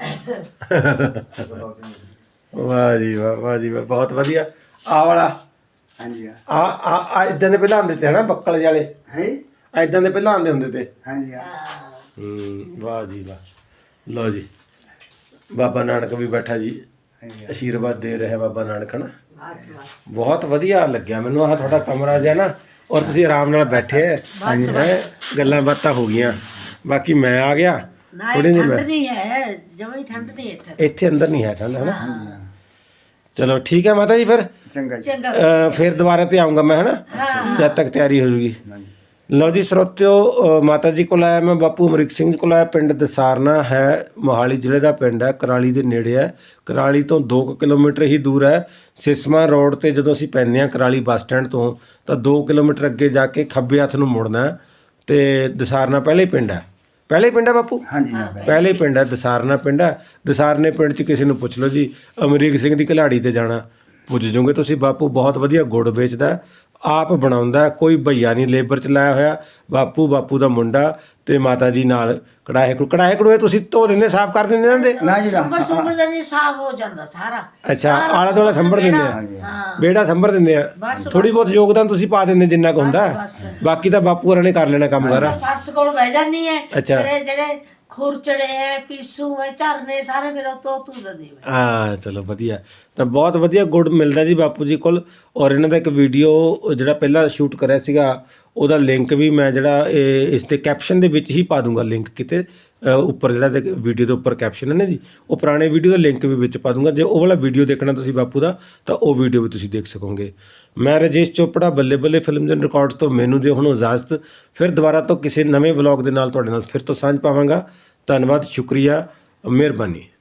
[SPEAKER 2] ਵਾਹ ਜੀ ਵਾਹ, ਵਾਹ ਜੀ ਵਾਹ, ਬਹੁਤ ਵਧੀਆ। ਆ ਵਾਲਾ
[SPEAKER 3] ਹਾਂਜੀ ਹਾਂ।
[SPEAKER 2] ਆ ਇਦਾਂ ਦੇ ਪਹਿਲਾਂ ਆਉਂਦੇ ਤੇ ਹਨਾ, ਬੱਕਲ ਵਾਲੇ
[SPEAKER 3] ਹੈ।
[SPEAKER 2] ਇਦਾਂ ਦੇ ਪਹਿਲਾਂ ਆਉਂਦੇ ਹੁੰਦੇ ਤੇ।
[SPEAKER 3] ਹਾਂਜੀ ਹਾਂ।
[SPEAKER 2] ਵਾਹ ਜੀ ਵਾਹ। ਲਓ ਜੀ, ਬਾਬਾ ਨਾਨਕ ਵੀ ਬੈਠਾ ਜੀ, ਆਸ਼ੀਰਵਾਦ ਦੇ ਰਿਹਾ ਬਾਬਾ ਨਾਨਕ ਨਾ। ਬਹੁਤ ਵਧੀਆ ਲੱਗਿਆ ਮੈਨੂੰ ਆਹ ਤੁਹਾਡਾ ਕਮਰਾ ਜਿਹਾ ਨਾ, ਔਰ ਤੁਸੀਂ ਆਰਾਮ ਨਾਲ ਬੈਠੇ ਹੈ, ਗੱਲਾਂ ਬਾਤਾਂ ਹੋ ਗਈਆਂ। ਬਾਕੀ ਮੈਂ ਆ ਗਿਆ ਥੋੜੀ ਜਿਹੀ,
[SPEAKER 1] ਠੰਡ ਨਹੀਂ ਹੈ ਜਮਾਂ ਹੀ, ਠੰਡ ਨਹੀਂ
[SPEAKER 2] ਇੱਥੇ ਅੰਦਰ ਨਹੀਂ ਹੈ ਠੰਡ, ਹੈ ਨਾ? ਚਲੋ ਠੀਕ ਹੈ ਮਾਤਾ ਜੀ, ਫਿਰ
[SPEAKER 3] ਚੰਗਾ ਜੀ।
[SPEAKER 2] ਫਿਰ ਦੁਬਾਰਾ ਤੇ ਆਉਂਗਾ ਮੈਂ, ਹੈ ਨਾ? ਜਦ ਤੱਕ ਤਿਆਰੀ ਹੋ ਜੂਗੀ। ਲਓ ਜੀ ਸਰੋਤਿਓ, ਮਾਤਾ ਜੀ ਕੋਲ ਆਇਆ ਮੈਂ, ਬਾਪੂ ਅਮਰੀਕ ਸਿੰਘ ਕੋਲ ਆਇਆ। ਪਿੰਡ ਦਸਾਰਨਾ ਹੈ, ਮੋਹਾਲੀ ਜ਼ਿਲ੍ਹੇ ਦਾ ਪਿੰਡ ਹੈ, ਕਰਾਲੀ ਦੇ ਨੇੜੇ ਹੈ। ਕਰਾਲੀ ਤੋਂ 2 ਕਿਲੋਮੀਟਰ ਹੀ ਦੂਰ ਹੈ। ਸਿਸਮਾ ਰੋਡ ਤੇ ਜਦੋਂ ਅਸੀਂ ਪੈਂਦੇ ਹਾਂ ਕਰਾਲੀ ਬੱਸ ਸਟੈਂਡ ਤੋਂ, ਤਾਂ 2 ਕਿਲੋਮੀਟਰ ਅੱਗੇ ਜਾ ਕੇ ਖੱਬੇ ਹੱਥ ਨੂੰ ਮੁੜਨਾ ਤੇ ਦਸਾਰਨਾ ਪਹਿਲੇ ਪਿੰਡ ਹੈ। ਪਹਿਲੇ ਪਿੰਡ ਹੈ ਬਾਪੂ?
[SPEAKER 3] ਹਾਂਜੀ ਹਾਂ।
[SPEAKER 2] ਪਹਿਲੇ ਪਿੰਡ ਹੈ, ਦਸਾਰਨਾ ਪਿੰਡ ਹੈ। ਦਸਾਰਨੇ ਪਿੰਡ 'ਚ ਕਿਸੇ ਨੂੰ ਪੁੱਛ ਲਓ ਜੀ, ਅਮਰੀਕ ਸਿੰਘ ਦੀ ਘਲਾੜੀ ਤੇ ਜਾਣਾ, ਪੁੱਜ ਜਾਓਗੇ ਤੁਸੀਂ। ਬਾਪੂ ਬਹੁਤ ਵਧੀਆ ਗੁੜ ਵੇਚਦਾ, ਆਪ ਬਣਾਉਂਦਾ, ਕੋਈ ਭਈਆ ਨਹੀਂ ਲੇਬਰ 'ਚ ਲਾਇਆ ਹੋਇਆ। ਬਾਪੂ ਦਾ ਮੁੰਡਾ ਤੇ ਮਾਤਾ ਜੀ ਨਾਲ ਕੜਾਹੇ ਕੜੂਏ ਤੁਸੀਂ ਧੋ ਦਿੰਦੇ, ਸਾਫ਼ ਕਰ ਦਿੰਦੇ ਇਹਨਾਂ ਦੇ?
[SPEAKER 3] ਨਾ ਜੀ ਨਾ।
[SPEAKER 1] ਸੰਭਰ ਦਾ ਨਹੀਂ ਸਾਫ਼ ਹੋ ਜਾਂਦਾ ਸਾਰਾ।
[SPEAKER 2] ਅੱਛਾ, ਆਲਾ ਦੁਆਲਾ ਸੰਭਰ ਦਿੰਦੇ ਆ, ਵਿਹੜਾ ਸੰਭਰ ਦਿੰਦੇ ਆ। ਥੋੜੀ ਬਹੁਤ ਯੋਗਦਾਨ ਤੁਸੀਂ ਪਾ ਦਿੰਦੇ ਜਿੰਨਾ ਕੁ ਹੁੰਦਾ, ਬਾਕੀ ਤਾਂ ਬਾਪੂ ਹੋਰਾਂ ਨੇ ਕਰ ਲੈਣਾ ਕੰਮ ਸਾਰਾ।
[SPEAKER 1] ਫਰਸ਼ ਕੋਲ ਬਹਿ ਜਾਂਦੀ ਹੈ।
[SPEAKER 2] ਅੱਛਾ।
[SPEAKER 1] ਮੇਰੇ ਜਿਹੜੇ ਖੁਰਚੜੇ ਹੈ, ਪੀਸੂ ਹੈ, ਝਰਨੇ ਸਾਰੇ ਮੇਰਾ ਤੂੰ ਦਾ ਦੇ।
[SPEAKER 2] ਹਾਂ ਚਲੋ ਵਧੀਆ, ਤਾਂ ਬਹੁਤ ਵਧੀਆ ਗੁੜ ਮਿਲਦਾ ਜੀ ਬਾਪੂ ਜੀ ਕੋਲ। ਔਰ ਇਹਨਾਂ ਦਾ ਇੱਕ ਵੀਡੀਓ ਜਿਹੜਾ ਪਹਿਲਾਂ ਸ਼ੂਟ ਕਰਿਆ ਸੀਗਾ, ਉਹਦਾ ਲਿੰਕ ਵੀ ਮੈਂ ਜਿਹੜਾ ਇਸ ਤੇ ਕੈਪਸ਼ਨ ਦੇ ਵਿੱਚ ਹੀ ਪਾ ਦੂੰਗਾ ਲਿੰਕ ਕਿਤੇ, ਉੱਪਰ ਜਿਹੜਾ ਤੇ ਵੀਡੀਓ ਦੇ ਉੱਪਰ ਕੈਪਸ਼ਨ ਹੈ ਨਾ ਜੀ, ਉਹ ਪੁਰਾਣੇ ਵੀਡੀਓ ਦਾ ਲਿੰਕ ਵੀ ਵਿੱਚ ਪਾ ਦੂੰਗਾ। ਜੇ ਉਹ ਵਾਲਾ ਵੀਡੀਓ ਦੇਖਣਾ ਤੁਸੀਂ ਬਾਪੂ ਦਾ, ਤਾਂ ਉਹ ਵੀਡੀਓ ਵੀ ਤੁਸੀਂ ਦੇਖ ਸਕੋਗੇ। ਮੈਂ ਰਾਜੇਸ਼ ਚੋਪੜਾ, ਬੱਲੇ ਬੱਲੇ ਫਿਲਮਸ ਐਂਡ ਰਿਕਾਰਡਸ ਤੋਂ ਮੈਨੂੰ ਦਿਓ ਹੁਣ ਇਜਾਜ਼ਤ। ਫਿਰ ਦੁਬਾਰਾ ਤੋਂ ਕਿਸੇ ਨਵੇਂ ਵਲੌਗ ਦੇ ਨਾਲ ਤੁਹਾਡੇ ਨਾਲ ਫਿਰ ਤੋਂ ਸਾਂਝ ਪਾਵਾਂਗਾ। ਧੰਨਵਾਦ, ਸ਼ੁਕਰੀਆ, ਮਿਹਰਬਾਨੀ।